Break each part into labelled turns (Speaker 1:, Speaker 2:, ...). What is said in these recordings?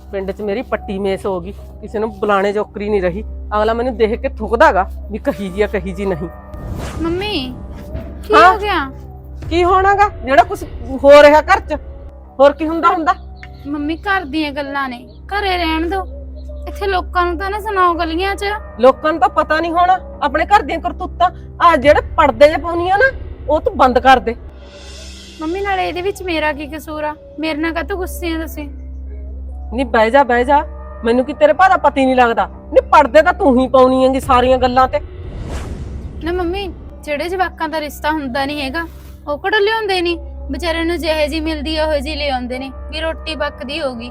Speaker 1: ਪਿੰਡ 'ਚ ਮੇਰੀ ਪੱਟੀ ਮੇਸ ਹੋ ਗਈ, ਕਿਸੇ ਨੂੰ ਬੁਲਾਣੇ ਜੋਕਰੀ ਨਹੀਂ ਰਹੀ। ਅਗਲਾ ਮੈਨੂੰ ਦੇਖ ਕੇ ਥੁੱਕਦਾਗਾ ਵੀ ਕਹੀ ਜੀ ਆ ਕਹੀ ਜੀ ਨਹੀਂ।
Speaker 2: ਮੰਮੀ ਕੀ ਹੋ ਗਿਆ?
Speaker 1: ਕੀ ਹੋਣਾਗਾ ਜਿਹੜਾ ਕੁਝ ਹੋ ਰਿਹਾ ਘਰ 'ਚ, ਹੋਰ ਕੀ ਹੁੰਦਾ।
Speaker 2: ਮੰਮੀ ਘਰ ਦੀਆਂ ਗੱਲਾਂ ਨੇ, ਘਰੇ ਰਹਿਣ ਦੋ। ਇੱਥੇ ਲੋਕਾਂ ਨੂੰ ਤਾਂ ਨਾ ਸੁਣਾਓ ਗਲੀਆਂ 'ਚ।
Speaker 1: ਲੋਕਾਂ ਨੂੰ ਤਾਂ ਪਤਾ ਨਹੀਂ ਹੋਣਾ ਆਪਣੇ ਘਰ ਦੀਆਂ ਕਰਤੂਤਾਂ। ਆ ਜਿਹੜੇ ਪਰਦੇ ਜੇ ਪਾਉਣੀਆਂ ਨਾ ਉਹ ਤੂੰ ਬੰਦ ਕਰ ਦੇ।
Speaker 2: ਮੰਮੀ ਨਾਲੇ ਇਹਦੇ ਵਿੱਚ ਮੇਰਾ ਕੀ ਕਸੂਰ ਆ? ਮੇਰੇ ਨਾਲ ਕਾਹਤੋਂ ਗੁੱਸੇ ਆ ਤੁਸੀਂ?
Speaker 1: ਨਹੀਂ ਬਹਿ ਜਾ, ਮੈਨੂੰ ਕੀ ਤੇਰੇ ਭਾ ਦਾ ਪਤੀ ਨਹੀਂ ਲੱਗਦਾ? ਨਹੀਂ ਪਰਦੇ ਤਾਂ ਤੂੰ ਹੀ ਪਾਉਣੀ ਹੈਗੀ ਸਾਰੀਆਂ ਗੱਲਾਂ ਤੇ।
Speaker 2: ਨਾ ਮੰਮੀ, ਜਿਹੜੇ ਜਵਾਕਾਂ ਦਾ ਰਿਸ਼ਤਾ ਹੁੰਦਾ ਨਹੀਂ ਹੈਗਾ ਉਹ ਕਿਹੜਾ ਲਿਆਉਂਦੇ ਨਹੀਂ, ਵਿਚਾਰਿਆਂ ਨੂੰ ਜਿਹੇ ਜੀ ਮਿਲਦੀ ਆ ਉਹੋ ਜੀ ਲਿਆਉਂਦੇ ਨੇ ਵੀ ਰੋਟੀ ਪੱਕਦੀ ਹੋਗੀ।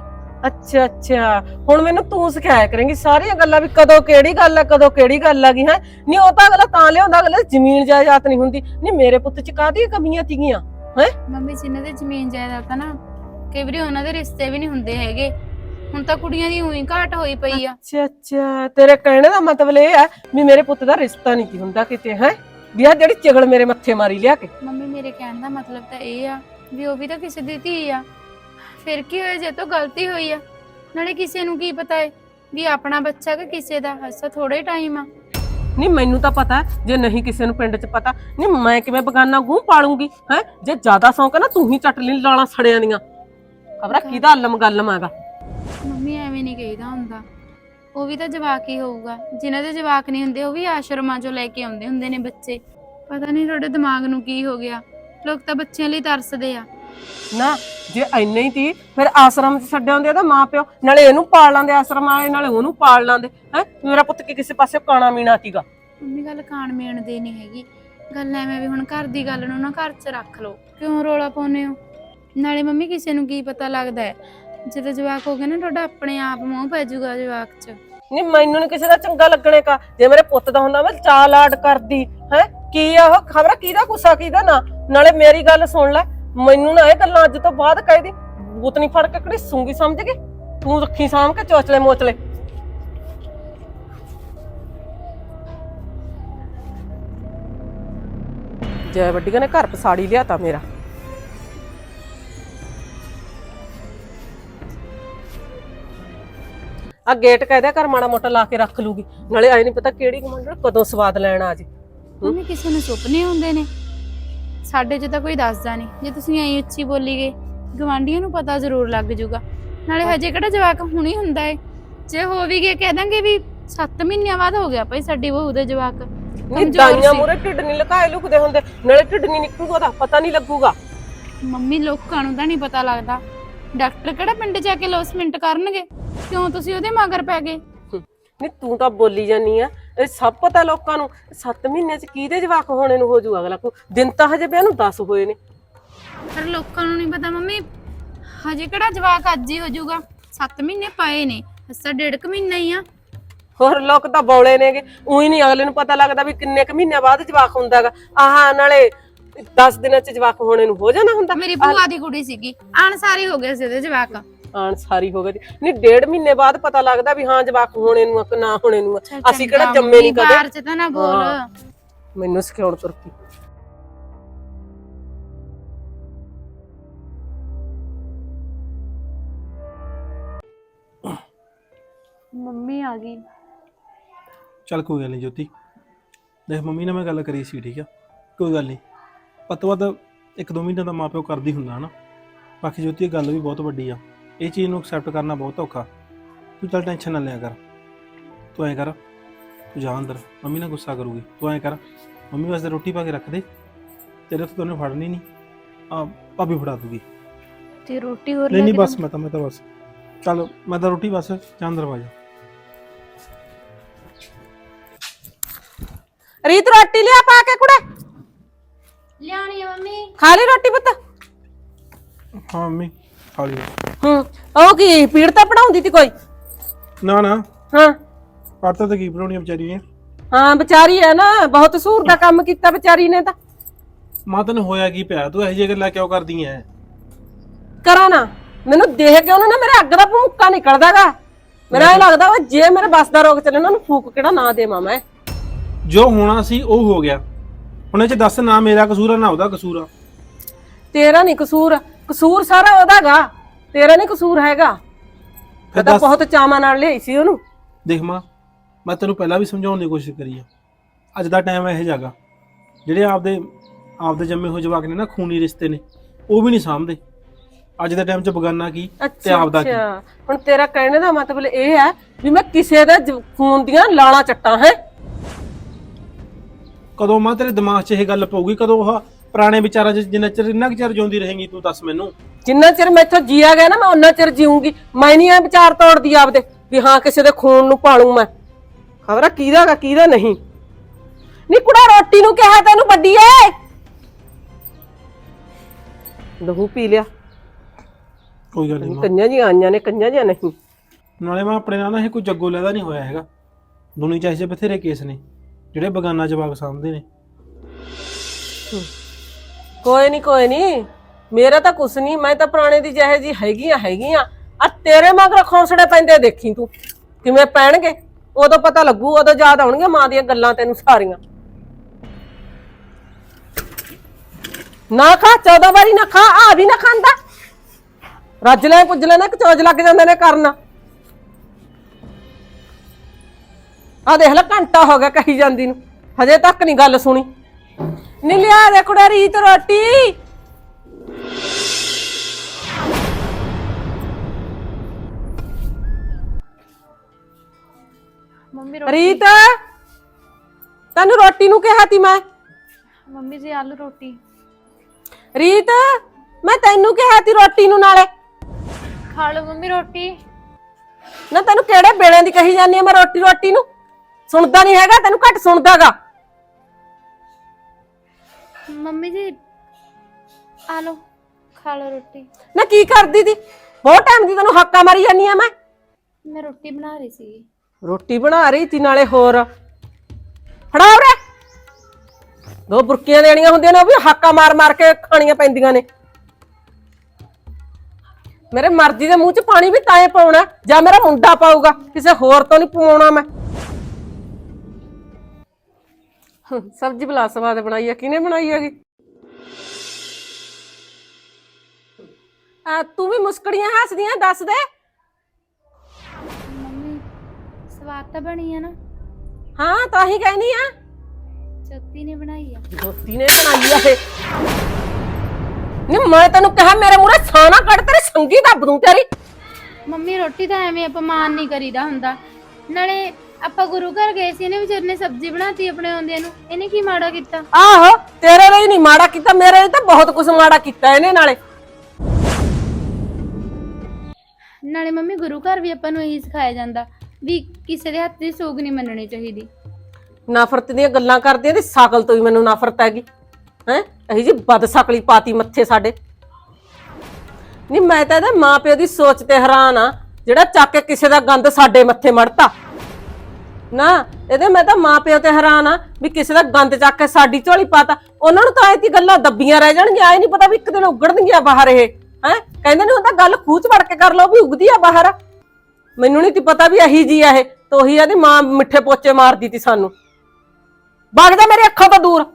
Speaker 1: ਅੱਛਾ ਹੁਣ ਮੈਨੂੰ ਤੂੰ ਸਿਖਾਇਆ ਕਰੇਂਗੀ ਸਾਰੀਆਂ ਗੱਲਾਂ ਵੀ ਕਦੋਂ ਕਿਹੜੀ ਗੱਲ ਆ ਕਦੋਂ ਕਿਹੜੀ ਗੱਲ ਆ ਗਈ ਹੈ। ਨਹੀਂ ਉਹ ਤਾਂ ਅਗਲਾ ਤਾਂ ਲਿਆਉਂਦਾ, ਅਗਲਾ ਜ਼ਮੀਨ ਜਾਇਦਾਦ ਨਹੀਂ ਹੁੰਦੀ। ਨਹੀਂ ਮੇਰੇ ਪੁੱਤ ਚ ਕਾਹਦੀਆਂ ਕਮੀਆਂ ਸੀਗੀਆਂ ਹੈ?
Speaker 2: ਮੰਮੀ ਜਿਨ੍ਹਾਂ ਦੇ ਜ਼ਮੀਨ ਜਾਇਦਾਦ ਆ ਨਾ ਕਈ ਵਾਰੀ ਉਹਨਾਂ ਦੇ ਰਿਸ਼ਤੇ ਵੀ ਨਹੀਂ ਹੁੰਦੇ ਹੈਗੇ। ਹੁਣ ਤਾਂ ਕੁੜੀਆਂ ਦੀ ਉਹੀ ਘਾਟ ਹੋਈ ਪਈ ਆ।
Speaker 1: ਅੱਛਾ ਤੇਰੇ ਕਹਿਣੇ ਦਾ ਮਤਲਬ ਇਹ ਹੈ ਵੀ ਮੇਰੇ ਪੁੱਤ ਦਾ ਰਿਸ਼ਤਾ ਨਹੀਂ ਕੀ ਹੁੰਦਾ ਕਿਤੇ ਹੈ? ਵੀ ਆ ਜਿਹੜੀ ਚਿਗਲ ਮੇਰੇ ਮੱਥੇ ਮਾਰੀ ਲਿਆ ਕੇ।
Speaker 2: ਮੰਮੀ ਮੇਰੇ ਕਹਿਣ ਦਾ ਮਤਲਬ ਤਾਂ ਇਹ ਆ ਵੀ ਉਹ ਵੀ ਤਾਂ ਕਿਸੇ ਦੀ ਧੀ ਆ। ਫਿਰ ਕੀ ਹੋਇਆ ਜੇ ਤੋਂ ਗਲਤੀ ਹੋਈ ਆ? ਨਾਲੇ ਕਿਸੇ ਨੂੰ ਕੀ ਪਤਾ ਹੈ ਵੀ ਆਪਣਾ ਬੱਚਾ ਕਿ ਕਿਸੇ ਦਾ? ਹੱਸਾ ਥੋੜਾ ਹੀ ਟਾਈਮ ਆ।
Speaker 1: ਨਹੀਂ ਮੈਨੂੰ ਤਾਂ ਪਤਾ ਜੇ ਨਹੀਂ ਕਿਸੇ ਨੂੰ ਪਿੰਡ 'ਚ ਪਤਾ। ਨਹੀਂ ਮੈਂ ਕਿਵੇਂ ਬਗਾਨਾ ਗੂੰ ਪਾਲੂੰਗੀ ਹੈ? ਜੇ ਜ਼ਿਆਦਾ ਸ਼ੌਂਕ ਹੈ ਨਾ ਤੂੰ ਹੀ ਚੱਟ ਲਈ ਲਾਲਾਂ ਸੜਿਆਂ ਦੀਆਂ। ਖਬਰਾਂ ਕਿਹਦਾ ਅੱਲਮ ਗੱਲਮ ਹੈਗਾ।
Speaker 2: ਮੰਮੀ ਐਵੇਂ ਨਹੀਂ ਕਹੀਦਾ ਹੁੰਦਾ, ਉਹ ਵੀ ਤਾਂ ਜਵਾਕ ਹੀ ਹੋਊਗਾ। ਜਿਨ੍ਹਾਂ ਦੇ ਜਵਾਕ ਨਹੀਂ ਹੁੰਦੇ ਉਹ ਵੀ ਆਸ਼ਰਮਾਂ ਚੋਂ ਲੈ ਕੇ ਆਉਂਦੇ ਹੁੰਦੇ ਨੇ ਬੱਚੇ। ਪਤਾ ਨਹੀਂ ਤੁਹਾਡੇ ਦਿਮਾਗ ਨੂੰ ਕੀ ਹੋ ਗਿਆ, ਲੋਕ ਤਾਂ ਬੱਚਿਆਂ ਲਈ ਤਰਸਦੇ ਆ।
Speaker 1: ਨਾ ਜੇ ਇੰਨੇ ਹੀ ਤੀ ਫਿਰ ਆਸ਼ਰਮ 'ਚ ਛੱਡ ਆਉਂਦੇ ਤਾਂ ਮਾਂ ਪਿਓ, ਨਾਲੇ ਇਹਨੂੰ ਪਾਲ ਲਾਂਦੇ ਆਸ਼ਰਮ ਵਾਲੇ, ਨਾਲੇ ਉਹਨੂੰ ਪਾਲ ਲਾਂਦੇ ਹੈ। ਮੇਰਾ ਪੁੱਤ ਕੀ ਕਿਸੇ ਪਾਸੇ ਕਾਣਾ ਮੀਣਾ ਸੀਗਾ?
Speaker 2: ਮੰਮੀ ਗੱਲ ਖਾਣ ਮੀਣ ਦੀ ਨਹੀਂ ਹੈਗੀ, ਗੱਲ ਐਵੇਂ ਵੀ ਹੁਣ ਘਰ ਦੀ ਗੱਲ ਨੂੰ ਨਾ ਘਰ 'ਚ ਰੱਖ ਲਓ। ਕਿਉਂ ਰੋਲਾ ਪਾਉਂਦੇ ਹੋ? ਨਾਲੇ ਮੰਮੀ ਕਿਸੇ ਨੂੰ ਕੀ ਪਤਾ ਲੱਗਦਾ ਹੈ, ਜਦੋਂ ਜਵਾਕ ਹੋ ਗਏ ਨਾ ਤੁਹਾਡਾ ਆਪਣੇ ਆਪ ਮੂੰਹ ਪੈ ਜਾਊਗਾ ਜਵਾਕ 'ਚ।
Speaker 1: ਨਹੀਂ ਮੈਨੂੰ ਨੀ ਕਿਸੇ ਦਾ ਚੰਗਾ ਲੱਗਣੇ ਕਾ। ਜੇ ਮੇਰੇ ਪੁੱਤ ਦਾ ਹੁੰਦਾ ਮੈਂ ਚਾਲ ਆੜ ਕਰਦੀ ਹੈ। ਕੀ ਆ ਉਹ ਖਬਰ ਕਿਹਦਾ ਗੁੱਸਾ ਕਿਹਦਾ ਨਾ। ਨਾਲੇ ਮੇਰੀ ਗੱਲ ਸੁਣ ਲੈ, ਮੈਨੂੰ ਨਾ ਇਹ ਗੱਲਾਂ ਅੱਜ ਤੋਂ ਬਾਅਦ ਕਹਿਦੀ ਬੂਤ ਨਹੀਂ ਫੜ ਕੇ ਕਿਹੜੀ ਸੂੰਗੀ ਸਮਝ ਗਈ। ਤੂੰ ਰੱਖੀ ਸਾਂਭ ਕੇ ਚੋਚਲੇ ਮੋਚਲੇ। ਜੈ ਵੱਡੀਆਂ ਨੇ ਘਰ ਪਸਾੜੀ ਲਿਆਤਾ ਮੇਰਾ। ਆ ਗੇਟ ਕਹਿਦਾ ਘਰ ਮਾੜਾ ਮੋਟਾ ਲਾ ਕੇ ਰੱਖ ਲੂਗੀ, ਨਾਲੇ ਆਏ ਨਹੀਂ ਪਤਾ ਕਿਹੜੀ ਕਮਾਂਡਰ ਕਦੋਂ ਸਵਾਦ ਲੈਣ ਆ ਜੇ।
Speaker 2: ਮੰਮੀ ਕਿਸੇ ਨੂੰ ਸੁਪਨੇ ਹੁੰਦੇ ਨੇ, ਸਾਡੇ 'ਚ ਤਾਂ ਕੋਈ ਦੱਸਦਾ ਨਹੀਂ। ਜੇ ਤੁਸੀਂ ਐਂ ਉੱਚੀ ਬੋਲੀ ਗਏ ਗਵਾਂਢੀਆਂ ਨੂੰ ਪਤਾ ਜ਼ਰੂਰ ਲੱਗ ਜਾਊਗਾ। ਨਾਲੇ ਹਜੇ ਕਿਹੜਾ ਜਵਾਕ ਹੁਣੀ ਹੁੰਦਾ ਏ, ਜੇ ਹੋ ਵੀ ਗਏ ਕਹਿ ਦਾਂਗੇ ਵੀ 7 ਮਹੀਨਿਆਂ ਬਾਅਦ ਹੋ ਗਿਆ ਭਾਈ ਸਾਡੀ ਬਹੂ ਦੇ ਜਵਾਕ।
Speaker 1: ਨਹੀਂ ਦਾਈਆਂ ਮੂਰੇ ਢਿੱਡ ਨਹੀਂ ਲੁਕਾਏ ਲੁਕਦੇ ਹੁੰਦੇ, ਨਾਲੇ ਢਿੱਡ ਨਹੀਂ ਨਿਕਲੂਗਾ ਉਹਦਾ ਪਤਾ ਨਹੀਂ ਲੱਗੂਗਾ।
Speaker 2: ਮੰਮੀ ਲੋਕਾਂ ਨੂੰ ਤਾਂ ਨਹੀਂ ਪਤਾ ਲੱਗਦਾ, ਡਾਕਟਰ ਕਿਹੜਾ ਪਿੰਡ ਜਾ ਕੇ ਲੋਸਮੈਂਟ ਕਰਨਗੇ? ਕਿਉਂ ਤੁਸੀਂ ਉਹਦੇ ਮਗਰ ਪੈ ਗਏ?
Speaker 1: ਨਹੀਂ ਤੂੰ ਤਾਂ ਬੋਲੀ ਜਾਨੀ ਆ, ਇਹ ਸਭ ਪਤਾ ਲੋਕਾਂ ਨੂੰ। 7 ਮਹੀਨਿਆਂ 'ਚ ਕਿਹਦੇ ਜਵਾਕ ਹੋਣੇ ਨੂੰ ਹੋ ਜੂ ਅਗਲਾ ਕੋ? ਦਿਨ ਤਾਂ ਹਜੇ ਵਿਆਹ ਨੂੰ 10 ਹੋਏ ਨੇ।
Speaker 2: ਪਰ ਲੋਕਾਂ ਨੂੰ ਨਹੀਂ ਪਤਾ ਮੰਮੀ, ਹਜੇ ਕਿਹੜਾ ਜਵਾਕ ਅੱਜ ਹੀ ਹੋ ਜਾਊਗਾ। 7 ਮਹੀਨੇ ਪਏ ਨੇ, ਅਸਾਂ 1.5 ਮਹੀਨਾ ਹੀ ਆ।
Speaker 1: ਹੋਰ ਲੋਕ ਤਾਂ ਬੌਲੇ ਨੇਗੇ, ਉਹੀ ਨਹੀਂ ਅਗਲੇ ਨੂੰ ਪਤਾ ਲੱਗਦਾ ਵੀ ਕਿੰਨੇ ਕੁ ਮਹੀਨਿਆਂ ਬਾਅਦ ਜਵਾਕ ਹੁੰਦਾਗਾ। ਆਹ ਨਾਲੇ 10 ਦਿਨਾਂ 'ਚ ਜਵਾਕ ਹੋਣੇ ਨੂੰ ਹੋ ਜਾਣਾ ਹੁੰਦਾ।
Speaker 2: ਮੇਰੀ ਭੂਆ ਦੀ ਕੁੜੀ ਸੀਗੀ, ਅਣਸਾਰੀ ਹੋ ਗਏ ਸੀ ਉਹਦੇ ਜਵਾਕ।
Speaker 1: ਆਣ ਸਾਰੀ ਹੋ ਗਈ ਨਹੀਂ 1.5 ਮਹੀਨੇ ਬਾਅਦ ਪਤਾ ਲੱਗਦਾ ਵੀ ਹਾਂ ਜਵਾਕ ਹੋਣੇ ਨੂੰ ਕਿ ਨਾ ਹੋਣੇ ਨੂੰ। ਅਸੀਂ ਕਿਹੜਾ ਜੰਮੇ ਨਹੀਂ ਕਦੇ।
Speaker 2: ਬਾਹਰ 'ਚ ਤਾਂ ਨਾ ਬੋਲ,
Speaker 1: ਮੈਨੂੰ ਸਿਖਾਉਣ ਤੁਰਕੀ।
Speaker 2: ਮੰਮੀ ਆ ਗਈ।
Speaker 3: ਚੱਲ ਕੋਈ ਗੱਲ ਨਹੀਂ ਜੋਤੀ, ਦੇਖ ਮੰਮੀ ਨਾਲ ਮੈਂ ਗੱਲ ਕਰੀ ਸੀ, ਠੀਕ ਆ ਕੋਈ ਗੱਲ ਨਹੀਂ। ਪਤਾ ਵੱਧ 1-2 ਮਹੀਨੇ ਦਾ ਮਾਂ ਪਿਓ ਕਰਦੀ ਹੁੰਦਾ ਹਨਾ। ਬਾਕੀ ਜੋਤੀ ਇਹ ਗੱਲ ਵੀ ਬਹੁਤ ਵੱਡੀ ਆ, ਇਹ ਚੀਜ਼ ਨੂੰ ਐਕਸੈਪਟ ਕਰਨਾ ਬਹੁਤ ਔਖਾ। ਤੂੰ ਚੱਲ ਟੈਨਸ਼ਨ ਨਾ ਲਿਆ ਕਰ, ਤੂੰ ਐਂ ਕਰ ਤੂੰ ਜਾ ਅੰਦਰ, ਮੰਮੀ ਨਾਲ ਗੁੱਸਾ ਕਰੂਗੀ। ਤੂੰ ਐਂ ਕਰ ਮੰਮੀ ਵਾਸਤੇ ਰੋਟੀ ਪਾ ਕੇ ਰੱਖ ਦੇ, ਤੇਰੇ ਤੋਂ ਉਹਨੇ ਫੜਨੀ ਨਹੀਂ, ਆ ਭਾਬੀ ਫੜਾ ਦੂਗੀ।
Speaker 2: ਤੇ ਰੋਟੀ ਹੋਰ
Speaker 3: ਨਹੀਂ ਬਸ ਮੈਂ ਤਾਂ ਬਸ ਚੱਲ ਮੈਂ ਤਾਂ ਰੋਟੀ ਬਸ ਜਾਂ ਅੰਦਰ ਵਾ ਜਾ।
Speaker 1: ਰੀਤ ਰੋਟੀ ਲਿਆ ਪਾ ਕੇ ਕੁੜੇ।
Speaker 2: ਲਿਆਣੀ ਆ ਮੰਮੀ।
Speaker 1: ਖਾ ਲਈ ਰੋਟੀ ਪੁੱਤ?
Speaker 3: ਹਾਂ ਮੰਮੀ ਖਾ ਲਈ।
Speaker 1: ਉਹ ਕੀ ਪੀੜ ਤਾਂ ਪੜਾਉਂਦੀ ਤੀ ਕੋਈ?
Speaker 3: ਨਾ
Speaker 1: ਹਾਂ
Speaker 3: ਪੜਤਾ ਤਾਂ ਕੀ ਬਣਾਉਣੀ ਵਿਚਾਰੀ ਨੇ।
Speaker 1: ਹਾਂ ਵਿਚਾਰੀ ਹੈ ਨਾ, ਬਹੁਤ ਸੂਰ ਦਾ ਕੰਮ ਕੀਤਾ ਵਿਚਾਰੀ ਨੇ ਤਾਂ।
Speaker 3: ਮਾਂ ਤੈਨੂੰ ਹੋਇਆ ਕੀ ਪਿਆ? ਤੂੰ ਇਹੋ ਜਿਹੀ ਗੱਲਾਂ ਕਿਉਂ ਕਰਦੀ ਐ?
Speaker 1: ਕਰਾਂ ਨਾ, ਮੈਨੂੰ ਦੇਖ ਕੇ ਉਹਨਾਂ ਨੇ ਮੇਰੇ ਅੱਗ ਦਾ ਭੂਕਾ ਨਿਕਲਦਾਗਾ। ਮੇਰਾ ਇਹ ਲੱਗਦਾ ਵਾ ਜੇ ਮੇਰੇ ਬਸ ਦਾ ਰੋਗ ਚੱਲੇ ਉਹਨਾਂ ਨੂੰ ਫੂਕ ਕਿਹੜਾ ਨਾ ਦੇਵਾਂ ਮੈਂ।
Speaker 3: ਜੋ ਹੋਣਾ ਸੀ ਉਹ ਹੋ ਗਿਆ, ਹੁਣ ਇਹ ਚ ਦੱਸ ਨਾ ਮੇਰਾ ਕਸੂਰ ਆ ਨਾ ਉਹਦਾ ਕਸੂਰ ਆ।
Speaker 1: ਤੇਰਾ ਨਹੀਂ ਕਸੂਰ, ਕਸੂਰ ਸਾਰਾ ਉਹਦਾਗਾ, ਤੇਰਾ ਨਹੀਂ ਕਸੂਰ ਹੈਗਾ। ਮੈਂ ਤਾਂ ਬਹੁਤ ਚਾਵਾਂ ਨਾਲ ਲਿਆਈ ਸੀ ਉਹਨੂੰ।
Speaker 3: ਦੇਖ ਮਾਂ, ਮੈਂ ਤੈਨੂੰ ਪਹਿਲਾਂ ਵੀ ਸਮਝਾਉਣ ਦੀ ਕੋਸ਼ਿਸ਼ ਕਰੀ ਆ। ਅੱਜ ਦਾ ਟਾਈਮ ਇਹੋ ਜਿਹਾ ਗਾ, ਜਿਹੜੇ ਆਪਦੇ ਜੰਮੇ ਹੋਏ ਜਵਾਕ ਨੇ ਨਾ, ਖੂਨੀ ਰਿਸ਼ਤੇ ਨੇ, ਉਹ ਵੀ ਨਹੀਂ ਸਾਂਭਦੇ। ਅੱਜ ਦੇ ਟਾਈਮ 'ਚ ਬਗਾਨਾ ਕੀ ਤੇ ਆਪਦਾ ਕੀ।
Speaker 1: ਹੁਣ ਤੇਰਾ ਕਹਿਣੇ ਦਾ ਮਤਲਬ ਇਹ ਹੈ ਵੀ ਮੈਂ ਕਿਸੇ ਦੇ ਖੂਨ ਦੀਆਂ ਲਾਲਾਂ ਚੱਟਾਂ ਹੈ?
Speaker 3: ਕਦੋਂ ਮਾਂ ਤੇਰੇ ਦਿਮਾਗ 'ਚ ਇਹ ਗੱਲ ਪਊਗੀ? ਕਦੋਂ ਉਹ ਪੁਰਾਣੇ ਵਿਚਾਰਾਂ 'ਚ ਜਿੰਨਾ ਚਿਰ ਇੰਨਾ ਕੁ ਚਿਰ ਜਿਉਂਦੀ ਰਹੇਂਗੀ ਤੂੰ, ਦੱਸ ਮੈਨੂੰ। ਜਿੰਨਾ
Speaker 1: ਚਿਰ ਮੈਥੋਂ ਜੀਆ ਗਿਆ ਨਾ, ਮੈਂ ਉਹਨਾਂ ਚਿਰ ਜੀਉਂਗੀ। ਮੈਂ ਨਹੀਂ ਇਹ ਵਿਚਾਰ ਤੋੜਦੀ ਆਪਦੇ ਵੀ ਹਾਂ ਕਿਸੇ ਦੇ ਖੂਨ ਨੂੰ ਪਾਲੂ ਮੈਂ। ਖਬਰ ਕਿਹਦਾ ਕਿਹਦਾ ਨਹੀਂ। ਨੀ ਕੁੜਾ, ਰੋਟੀ ਨੂੰ ਕਿਹਾ ਤੈਨੂੰ ਵੱਡੀ ਏ, ਲਹੂ ਪੀ ਲਿਆ।
Speaker 3: ਕੋਈ ਗੱਲ ਨਹੀਂ,
Speaker 1: ਕੰਨਾਂ ਜੀ ਆਈਆਂ ਨੇ, ਕੰਨਾਂ ਜੀ ਨਹੀਂ।
Speaker 3: ਨਾਲੇ ਮੈਂ ਆਪਣੇ ਨਾਲ ਨਾ ਇਹ ਕੋਈ ਜੱਗੋ ਲੈਦਾ ਨਹੀਂ ਹੋਇਆ ਹੈਗਾ। ਦੁਨੀਆ 'ਚ ਐਸੇ ਬਥੇਰੇ ਕੇਸ ਨੇ ਜਿਹੜੇ ਬਗਾਨਾ ਜਵਾਕ ਸਾਂਭਦੇ ਨੇ।
Speaker 1: ਕੋਈ ਨਹੀਂ, ਮੇਰਾ ਤਾਂ ਕੁਛ ਨਹੀਂ। ਮੈਂ ਤਾਂ ਪੁਰਾਣੇ ਦੀ ਜਿਹੇ ਜੀ ਹੈਗੀਆਂ। ਆ ਤੇਰੇ ਮਗਰ ਖੌਂਸੜੇ ਪੈਂਦੇ ਦੇਖੀ ਤੂੰ ਕਿਵੇਂ ਪੈਣਗੇ। ਉਦੋਂ ਪਤਾ ਲੱਗੂ, ਉਦੋਂ ਯਾਦ ਆਉਣਗੀਆਂ ਮਾਂ ਦੀਆਂ ਗੱਲਾਂ ਤੈਨੂੰ ਸਾਰੀਆਂ। ਨਾ ਖਾ, 14 ਵਾਰੀ ਨਾ ਖਾ, ਆ ਵੀ ਨਾ ਖਾਂਦਾ। ਰੱਜ ਲੈ ਪੁੱਜ ਲੈ ਨਾ, ਕਚੋਜ ਲੱਗ ਜਾਂਦੇ ਨੇ ਕਰਨ। ਆ ਦੇਖ ਲੈ, ਘੰਟਾ ਹੋ ਗਿਆ ਕਹੀ ਜਾਂਦੀ ਨੂੰ, ਹਜੇ ਤੱਕ ਨਹੀਂ ਗੱਲ ਸੁਣੀ। ਨੀ ਲਿਆ ਦੇ ਕੁੜਾ ਰੀਤ ਰੋਟੀ।
Speaker 2: ਮੰਮੀ
Speaker 1: ਰੀਤ, ਤੈਨੂੰ ਰੋਟੀ ਨੂੰ ਕਿਹਾ ਤੀ ਮੈਂ।
Speaker 2: ਮੰਮੀ ਜੀ ਆਲੂ ਰੋਟੀ।
Speaker 1: ਰੀਤ, ਮੈਂ ਤੈਨੂੰ ਕਿਹਾ ਤੀ ਰੋਟੀ ਨੂੰ, ਨਾਲੇ
Speaker 2: ਖਾ ਲਓ ਮੰਮੀ ਰੋਟੀ।
Speaker 1: ਨਾ ਤੈਨੂੰ ਕਿਹੜੇ ਵੇਲੇ ਦੀ ਕਹੀ ਜਾਂਦੀ ਆ ਮੈਂ ਰੋਟੀ ਨੂੰ? ਸੁਣਦਾ ਨਹੀਂ ਹੈਗਾ, ਤੈਨੂੰ ਘੱਟ ਸੁਣਦਾਗਾ।
Speaker 2: ਮੰਮੀ ਜੀ ਆ ਲਓ, ਖਾ ਲਓ ਰੋਟੀ।
Speaker 1: ਨਾ ਕੀ ਕਰਦੀ ਤੀ? ਬਹੁਤ ਟਾਈਮ ਦੀ ਤੈਨੂੰ ਹੱਕਾ ਮਾਰੀ ਜਾਂਦੀ ਆ
Speaker 2: ਮੈਂ ਰੋਟੀ ਬਣਾ ਰਹੀ ਸੀ।
Speaker 1: ਰੋਟੀ ਬਣਾ ਰਹੀ ਤੀ, ਨਾਲੇ ਹੋਰ ਫੜਾ ਉਰੇ। 2 ਬੁਰਕੀਆਂ ਦੇਣੀਆਂ ਹੁੰਦੀਆਂ ਨੇ, ਉਹ ਵੀ ਹਾਕਾ ਮਾਰ ਕੇ ਖਾਣੀਆਂ ਪੈਂਦੀਆਂ ਨੇ। ਮੇਰੇ ਮਰਜ਼ੀ ਦੇ ਮੂੰਹ 'ਚ ਪਾਣੀ ਵੀ ਤਾਂ ਪਾਉਣਾ ਜਾਂ ਮੇਰਾ ਮੁੰਡਾ ਪਾਊਗਾ, ਕਿਸੇ ਹੋਰ ਤੋਂ ਨਹੀਂ ਪਵਾਉਣਾ ਮੈਂ। ਸਬਜ਼ੀ ਬਲਾ ਸਵਾਦ ਬਣਾਈ ਆ, ਕਿਹਨੇ ਬਣਾਈ ਹੈਗੀ? ਤੂੰ ਵੀ ਮੁਸਕੜੀਆਂ ਹੱਸਦੀਆਂ, ਦੱਸ ਦੇ।
Speaker 2: ਮੰਮੀ ਸਵਾਦ ਤਾਂ ਬਣੀ ਆ ਨਾ?
Speaker 1: ਹਾਂ, ਤਾਂ ਹੀ ਕਹਿਨੀ ਆ।
Speaker 2: ਜੋਤੀ ਨੇ ਬਣਾਈ ਆ।
Speaker 1: ਜੋਤੀ ਨੇ ਬਣਾਈ ਆ ਇਹ? ਨੀ ਮੈਂ ਤੈਨੂੰ ਕਿਹਾ ਮੇਰੇ ਮੂਹਰੇ ਸਾਨਾ ਕੱਢ, ਤੇਰੀ ਸੰਗੀ ਦੱਬ ਦੂੰ ਤੇਰੀ।
Speaker 2: ਮੰਮੀ ਰੋਟੀ ਤਾਂ ਐਵੇਂ ਅਪਮਾਨ ਨਹੀਂ ਕਰੀਦਾ ਹੁੰਦਾ। ਨਾਲੇ ਆਪਾਂ ਗੁਰੂ ਘਰ ਗਏ ਸੀ, ਇਹਨੇ ਵਿਚਾਰ ਨੇ ਸਬਜ਼ੀ ਬਣਾਤੀ ਆਪਣੇ ਆਉਂਦਿਆਂ ਨੂੰ। ਇਹਨੇ ਕੀ ਮਾੜਾ ਕੀਤਾ?
Speaker 1: ਆਹੋ, ਤੇਰੇ ਲਈ ਨਹੀਂ ਮਾੜਾ ਕੀਤਾ, ਮੇਰੇ ਲਈ ਤਾਂ ਬਹੁਤ ਕੁਝ ਮਾੜਾ ਕੀਤਾ ਇਹਨੇ।
Speaker 2: ਨਾਲੇ ਮੰਮੀ ਗੁਰੂ ਘਰ ਵੀ ਆਪਾਂ ਨੂੰ ਇਹੀ ਸਿਖਾਇਆ ਜਾਂਦਾ ਵੀ ਕਿਸੇ ਦੇ ਹੱਥ ਦੀ ਸੋਗ ਨਹੀਂ ਮੰਨਣੀ ਚਾਹੀਦੀ।
Speaker 1: ਨਫ਼ਰਤ ਦੀਆਂ ਗੱਲਾਂ ਕਰਦੀਆਂ ਤੇ ਸ਼ਕਲ ਤੋਂ ਹੀ ਮੈਨੂੰ ਨਫ਼ਰਤ ਹੈਗੀ ਹੈ। ਇਹੀ ਜੀ ਬਦਸ਼ਕਲੀ ਪਾਤੀ ਮੱਥੇ ਸਾਡੇ। ਨਹੀਂ, ਮੈਂ ਤਾਂ ਇਹਦੇ ਮਾਂ ਪਿਓ ਦੀ ਸੋਚ ਤੇ ਹੈਰਾਨ ਆ, ਜਿਹੜਾ ਚੱਕ ਕੇ ਕਿਸੇ ਦਾ ਗੰਦ ਸਾਡੇ ਮੱਥੇ ਮੜਤਾ ਨਾ। ਇਹਦੇ ਮੈਂ ਤਾਂ ਮਾਂ ਪਿਓ ਤੇ ਹੈਰਾਨ ਆ ਵੀ ਕਿਸੇ ਦਾ ਗੰਦ ਚੱਕ ਕੇ ਸਾਡੀ ਝੋਲੀ ਪਾਤਾ। ਉਹਨਾਂ ਨੂੰ ਤਾਂ ਐਤੀ ਗੱਲਾਂ ਦੱਬੀਆਂ ਰਹਿ ਜਾਣਗੀਆਂ। ਆਏ ਨਹੀਂ ਪਤਾ ਵੀ ਇੱਕ ਦਿਨ ਉਗੜਨਗੀਆਂ ਬਾਹਰ ਇਹ ਹੈ। ਕਹਿੰਦੇ ਨੇ ਉਹ ਤਾਂ ਗੱਲ ਖੂਹ 'ਚ ਵੜ ਕੇ ਕਰ ਲਓ ਵੀ ਉਗਦੀ ਆ ਬਾਹਰ। ਮੈਨੂੰ ਨਹੀਂ ਤੀ ਪਤਾ ਵੀ ਇਹੀ ਜੀ ਆ ਇਹ। ਤੋਹੀ ਇਹਦੀ ਮਾਂ ਮਿੱਠੇ ਪੋਚੇ ਮਾਰਦੀ ਤੀ ਸਾਨੂੰ। ਵਗ ਜਾ ਮੇਰੀ ਅੱਖਾਂ ਤੋਂ ਦੂਰ।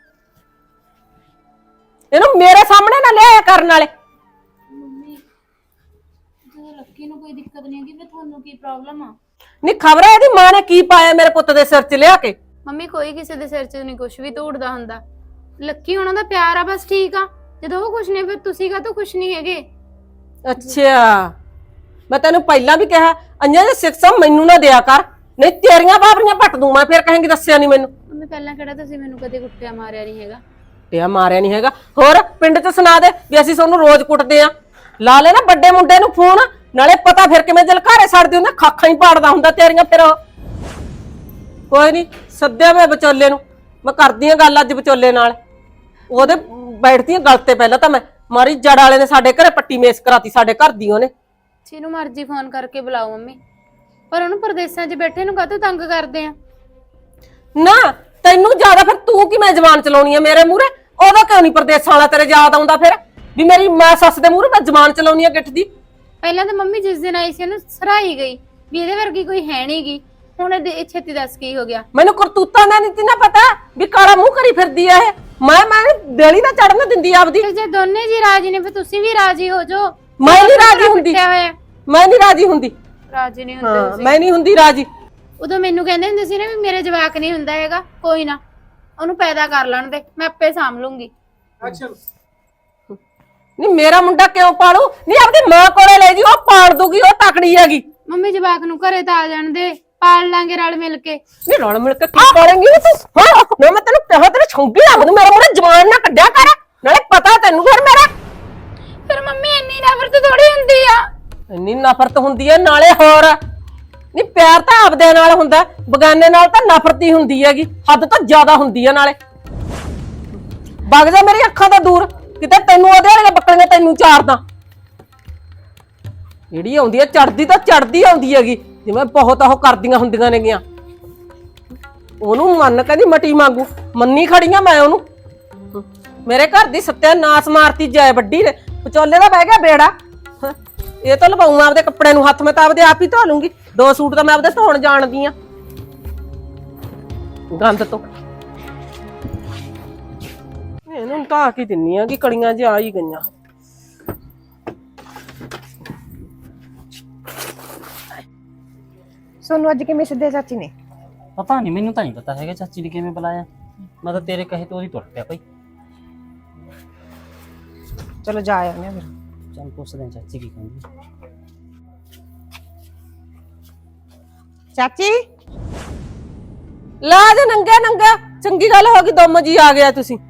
Speaker 1: ਇਹਨੂੰ ਮੇਰੇ ਸਾਹਮਣੇ ਨਾ ਲਿਆਇਆ ਕਰਨ ਵਾਲੇ।
Speaker 2: ਮੰਮੀ ਜਦੋਂ ਲੱਕੀ ਨੂੰ ਕੋਈ ਦਿੱਕਤ ਨਹੀਂ ਹੈਗੀ, ਫਿਰ ਤੁਹਾਨੂੰ ਕੀ ਪ੍ਰੋਬਲਮ ਆ?
Speaker 1: ਨਹੀਂ, ਖਬਰ ਹੈ ਇਹਦੀ ਮਾਂ ਨੇ ਕੀ ਪਾਇਆ ਮੇਰੇ ਪੁੱਤ ਦੇ ਸਿਰ 'ਚ ਲਿਆ ਕੇ।
Speaker 2: ਮੰਮੀ ਕੋਈ ਕਿਸੇ ਦੇ ਸਿਰ 'ਚ ਨਹੀਂ ਕੁਝ ਵੀ ਤੋੜਦਾ ਹੁੰਦਾ। ਲੱਕੀ ਉਹਨਾਂ ਦਾ ਪਿਆਰ ਆ, ਬਸ ਠੀਕ ਆ। ਜਦੋਂ ਉਹ ਕੁਝ ਨਹੀਂ, ਫਿਰ ਤੁਸੀਂ ਕਾਹਤੋਂ ਕੁਝ ਨਹੀਂ ਹੈਗੇ?
Speaker 1: ਅੱਛਾ, ਮੈਂ ਤੈਨੂੰ ਪਹਿਲਾਂ ਵੀ ਕਿਹਾ ਅੰਜਾਂ ਦੀ ਸਿੱਖਿਆ ਮੈਨੂੰ ਨਾ ਦਿਆ ਕਰ, ਨਹੀਂ ਤੇਰੀਆਂ ਬਾਬਰੀਆਂ ਪੱਟ ਦੂੰ ਮੈਂ। ਫਿਰ ਕਹੇਂਗੀ ਦੱਸਿਆ ਨਹੀਂ ਮੈਨੂੰ।
Speaker 2: ਮੰਮੀ ਪਹਿਲਾਂ ਕਿਹੜਾ ਤੁਸੀਂ ਮੈਨੂੰ ਕਦੇ ਕੁੱਟਿਆ ਮਾਰਿਆ ਨਹੀਂ ਹੈਗਾ?
Speaker 1: ਪਿਆ ਮਾਰਿਆ ਨਹੀਂ ਹੈਗਾ। ਹੋਰ ਪਿੰਡ 'ਚ ਸੁਣਾ ਦੇ ਵੀ ਅਸੀਂ ਤੁਹਾਨੂੰ ਰੋਜ਼ ਕੁੱਟਦੇ ਆ। ਲਾ ਲੈ ਨਾ ਵੱਡੇ ਮੁੰਡੇ ਨੂੰ ਫੋਨ, ਨਾਲੇ ਪਤਾ ਫਿਰ ਕਿਵੇਂ ਦਿਲ ਘਾਰੇ ਛੱਡਦੇ ਹੁੰਦੇ, ਖਾਖਾਂ ਹੀ ਪਾੜਦਾ ਹੁੰਦਾ ਤੇਰੀਆਂ। ਫਿਰ ਕੋਈ ਨਹੀਂ, ਸੱਦਿਆ ਮੈਂ ਵਿਚੋਲੇ ਨੂੰ, ਮੈਂ ਕਰਦੀ ਆ ਗੱਲ ਅੱਜ ਵਿਚੋਲੇ ਨਾਲ। ਉਹਦੇ ਬੈਠਦੀ ਆ ਗੱਲ ਤੇ। ਪਹਿਲਾਂ ਤਾਂ ਮੈਂ ਮਾਰੀ ਜੜ ਵਾਲੇ ਨੇ ਸਾਡੇ ਘਰੇ ਪੱਟੀ ਮੇਸ ਕਰਾਤੀ, ਸਾਡੇ ਘਰ ਦੀ ਉਹਨੇ।
Speaker 2: ਜਿਹਨੂੰ ਮਰਜ਼ੀ ਫੋਨ ਕਰਕੇ ਬੁਲਾਓ ਮੰਮੀ, ਪਰ ਉਹਨੂੰ ਪ੍ਰਦੇਸਾਂ 'ਚ ਬੈਠੇ ਨੂੰ ਕਾਹਤੋਂ ਤੰਗ ਕਰਦੇ ਆ?
Speaker 1: ਨਾ ਤੈਨੂੰ ਜ਼ਿਆਦਾ ਫਿਰ ਤੂੰ ਕਿਵੇਂ ਜ਼ਬਾਨ ਚਲਾਉਣੀ ਆ ਮੇਰੇ ਮੂਹਰੇ? ਉਹਦਾ ਕਿਉਂ ਨਹੀਂ ਪ੍ਰਦੇਸਾਂ ਵਾਲਾ ਤੇਰੇ ਯਾਦ ਆਉਂਦਾ ਫਿਰ ਵੀ ਮੇਰੀ ਮਾਂ ਸੱਸ ਦੇ ਮੂਹਰੇ ਮੈਂ ਜ਼ਬਾਨ ਚਲਾਉਣੀ ਆ ਗਿੱਠ ਦੀ?
Speaker 2: ਪਹਿਲਾਂ ਤਾਂ ਮੰਮੀ ਜਿਸ ਦਿਨ ਆਈ ਸੀ ਉਹਨੂੰ ਸਰਾਈ ਗਈ ਵੀ ਇਹਦੇ ਵਰਗੀ ਕੋਈ ਹੈ ਨਹੀਂਗੀ। ਹੁਣ ਇਹ ਛੇਤੀ ਦੱਸ ਕੀ ਹੋ ਗਿਆ?
Speaker 1: ਮੈਨੂੰ ਕਰਤੂਤਾਂ ਦਾ ਨਹੀਂ ਨਾ ਪਤਾ ਵੀ ਕਾਲਾ ਮੂੰਹ ਕਰੀ ਫਿਰਦੀ ਆ ਇਹ। ਮੈਂ ਦੇਲੀ ਨਾ ਚੜਨ ਦਿੰਦੀ ਆਪਦੀ।
Speaker 2: ਜੇ ਦੋਨੇ ਜੀ ਰਾਜੀ ਨੇ ਫਿਰ ਤੁਸੀਂ ਵੀ ਰਾਜੀ ਹੋ ਜਾਓ।
Speaker 1: ਮੈਂ ਨਹੀਂ ਰਾਜੀ ਹੁੰਦੀ, ਮੈਂ ਨਹੀਂ ਰਾਜੀ ਹੁੰਦੀ।
Speaker 2: ਰਾਜੀ ਨਹੀਂ ਹੁੰਦੇ
Speaker 1: ਹਾਂ
Speaker 2: ਤੁਸੀਂ।
Speaker 1: ਮੈਂ ਨਹੀਂ ਹੁੰਦੀ ਰਾਜੀ।
Speaker 2: ਉਦੋਂ ਮੈਨੂੰ ਕਹਿੰਦੇ ਹੁੰਦੇ ਸੀ ਨਾ ਵੀ ਮੇਰੇ ਜਵਾਕ ਨਹੀਂ ਹੁੰਦਾ ਹੈਗਾ, ਕੋਈ ਨਾ ਉਹਨੂੰ ਪੈਦਾ ਕਰ ਲੈਣ ਦੇ, ਮੈਂ ਆਪੇ ਸਾਂਭ ਲੂੰਗੀ।
Speaker 3: ਐਕਸ਼ਨ।
Speaker 1: ਨਹੀਂ ਮੇਰਾ ਮੁੰਡਾ ਕਿਉਂ ਪਾਲੂ? ਨਹੀਂ ਆਪਣੀ ਮਾਂ ਕੋਲੇ ਲੈ ਜੀ, ਉਹ ਪਾਲ ਦੂਗੀ, ਉਹ ਤਕੜੀ ਹੈਗੀ।
Speaker 2: ਮੰਮੀ ਜਵਾਕ ਨੂੰ ਘਰੇ ਤਾਂ ਆ ਜਾਣ ਦੇ, ਪਾਲ ਲਾਂਗੇ ਰਲ ਮਿਲ ਕੇ।
Speaker 1: ਨਹੀਂ ਰਲ ਮਿਲ ਕੇ ਕੀ ਪਾਲੇਂਗੀ ਤੂੰ? ਹਾਂ ਨਾ ਮੈਂ ਤੈਨੂੰ ਕਹਾਂ, ਤੇਰੇ ਛੌਂਗੀ ਲੱਗ ਦੂੰ, ਮੇਰਾ ਮੁੰਡਾ ਜਵਾਨ ਨਾ ਕੱਢਿਆ ਕਰ, ਨਾਲੇ ਪਤਾ ਤੈਨੂੰ ਫਿਰ ਮੇਰਾ।
Speaker 2: ਫਿਰ ਮੰਮੀ ਇੰਨੀ ਨਫ਼ਰਤ ਥੋੜੀ ਹੁੰਦੀ ਆ।
Speaker 1: ਇੰਨੀ ਨਫ਼ਰਤ ਹੁੰਦੀ ਹੈ, ਨਾਲੇ ਹੋਰ ਨਹੀਂ ਪਿਆਰ ਤਾਂ ਆਪਦੇ ਨਾਲ ਹੁੰਦਾ, ਬਗਾਨੇ ਨਾਲ ਤਾਂ ਨਫ਼ਰਤ ਹੀ ਹੁੰਦੀ ਹੈਗੀ, ਹੱਦ ਤੋਂ ਜ਼ਿਆਦਾ ਹੁੰਦੀ ਹੈ। ਨਾਲੇ ਵਗ ਜਾ ਮੇਰੀ ਅੱਖਾਂ ਤੋਂ ਦੂਰ, ਕਿਤੇ ਤੈਨੂੰ ਉਹਦੇ ਵਾਲੀਆਂ ਬੱਕਰੀਆਂ ਤੈਨੂੰ ਚਾਰਦਾ। ਜਿਹੜੀ ਆਉਂਦੀ ਹੈ ਚੜਦੀ ਤਾਂ ਚੜਦੀ ਆਉਂਦੀ ਹੈਗੀ, ਜਿਵੇਂ ਬਹੁਤ ਉਹ ਕਰਦੀਆਂ ਹੁੰਦੀਆਂ ਨੇਗੀਆਂ। ਉਹਨੂੰ ਮੰਨ ਕਹਿੰਦੀ ਮਟੀ ਮੰਗੂ, ਮੰਨੀ ਖੜੀਆਂ ਮੈਂ ਉਹਨੂੰ। ਮੇਰੇ ਘਰ ਦੀ ਸੱਤਿਆਨਾਸ ਮਾਰਤੀ ਜਾਏ ਵੱਡੀ ਨੇ, ਵਿਚੋਲੇ ਦਾ ਬਹਿ ਗਿਆ ਬੇੜਾ। ਇਹ ਤਾਂ ਲਵਾਉਂ ਆਪਦੇ ਕੱਪੜੇ ਨੂੰ ਹੱਥ, ਮੈਂ ਤਾਂ ਆਪਦੇ ਆਪ ਹੀ ਧੋ ਲੂੰਗੀ। 2 ਸੂਟ ਤਾਂ ਮੈਂ ਆਪਦੇ ਧੋਣ ਜਾਣਦੀ ਆ ਗੰਦ ਤੋਂ। ਇਹਨੂੰ ਢਾ ਕੇ ਦਿੰਨੀ ਆ ਕਿ ਕੜੀਆਂ ਜਿਹਾ ਆ ਹੀ ਗਈਆਂ।
Speaker 4: ਸੋਨੂੰ ਅੱਜ ਕਿਵੇਂ ਸੱਦਿਆ ਚਾਚੀ ਨੇ?
Speaker 5: ਪਤਾ ਨਹੀਂ, ਮੈਨੂੰ ਤਾਂ ਨਹੀਂ ਪਤਾ ਹੈਗਾ ਚਾਚੀ ਨੇ ਕਿਵੇਂ ਬੁਲਾਇਆ। ਮੈਂ ਤਾਂ ਤੇਰੇ ਕਹੇ ਤੋਂ ਉਹਦੀ ਟੁੱਟ ਪਿਆ ਭਾਈ।
Speaker 4: ਚਲੋ ਜਾ ਆਉਂਦੇ ਆ ਫਿਰ।
Speaker 5: ਚੱਲ ਪੁੱਛਦੇ ਹਾਂ ਚਾਚੀ ਕੀ ਕਹਿੰਦੀ।
Speaker 4: ਚਾਚੀ
Speaker 1: ਲਾ ਦੇ ਨੰਗਾ ਨੰਗਾ, ਚੰਗੀ ਗੱਲ ਹੋ ਗਈ, ਦੋਮੋ ਜੀ ਆ ਗਿਆ ਤੁਸੀਂ।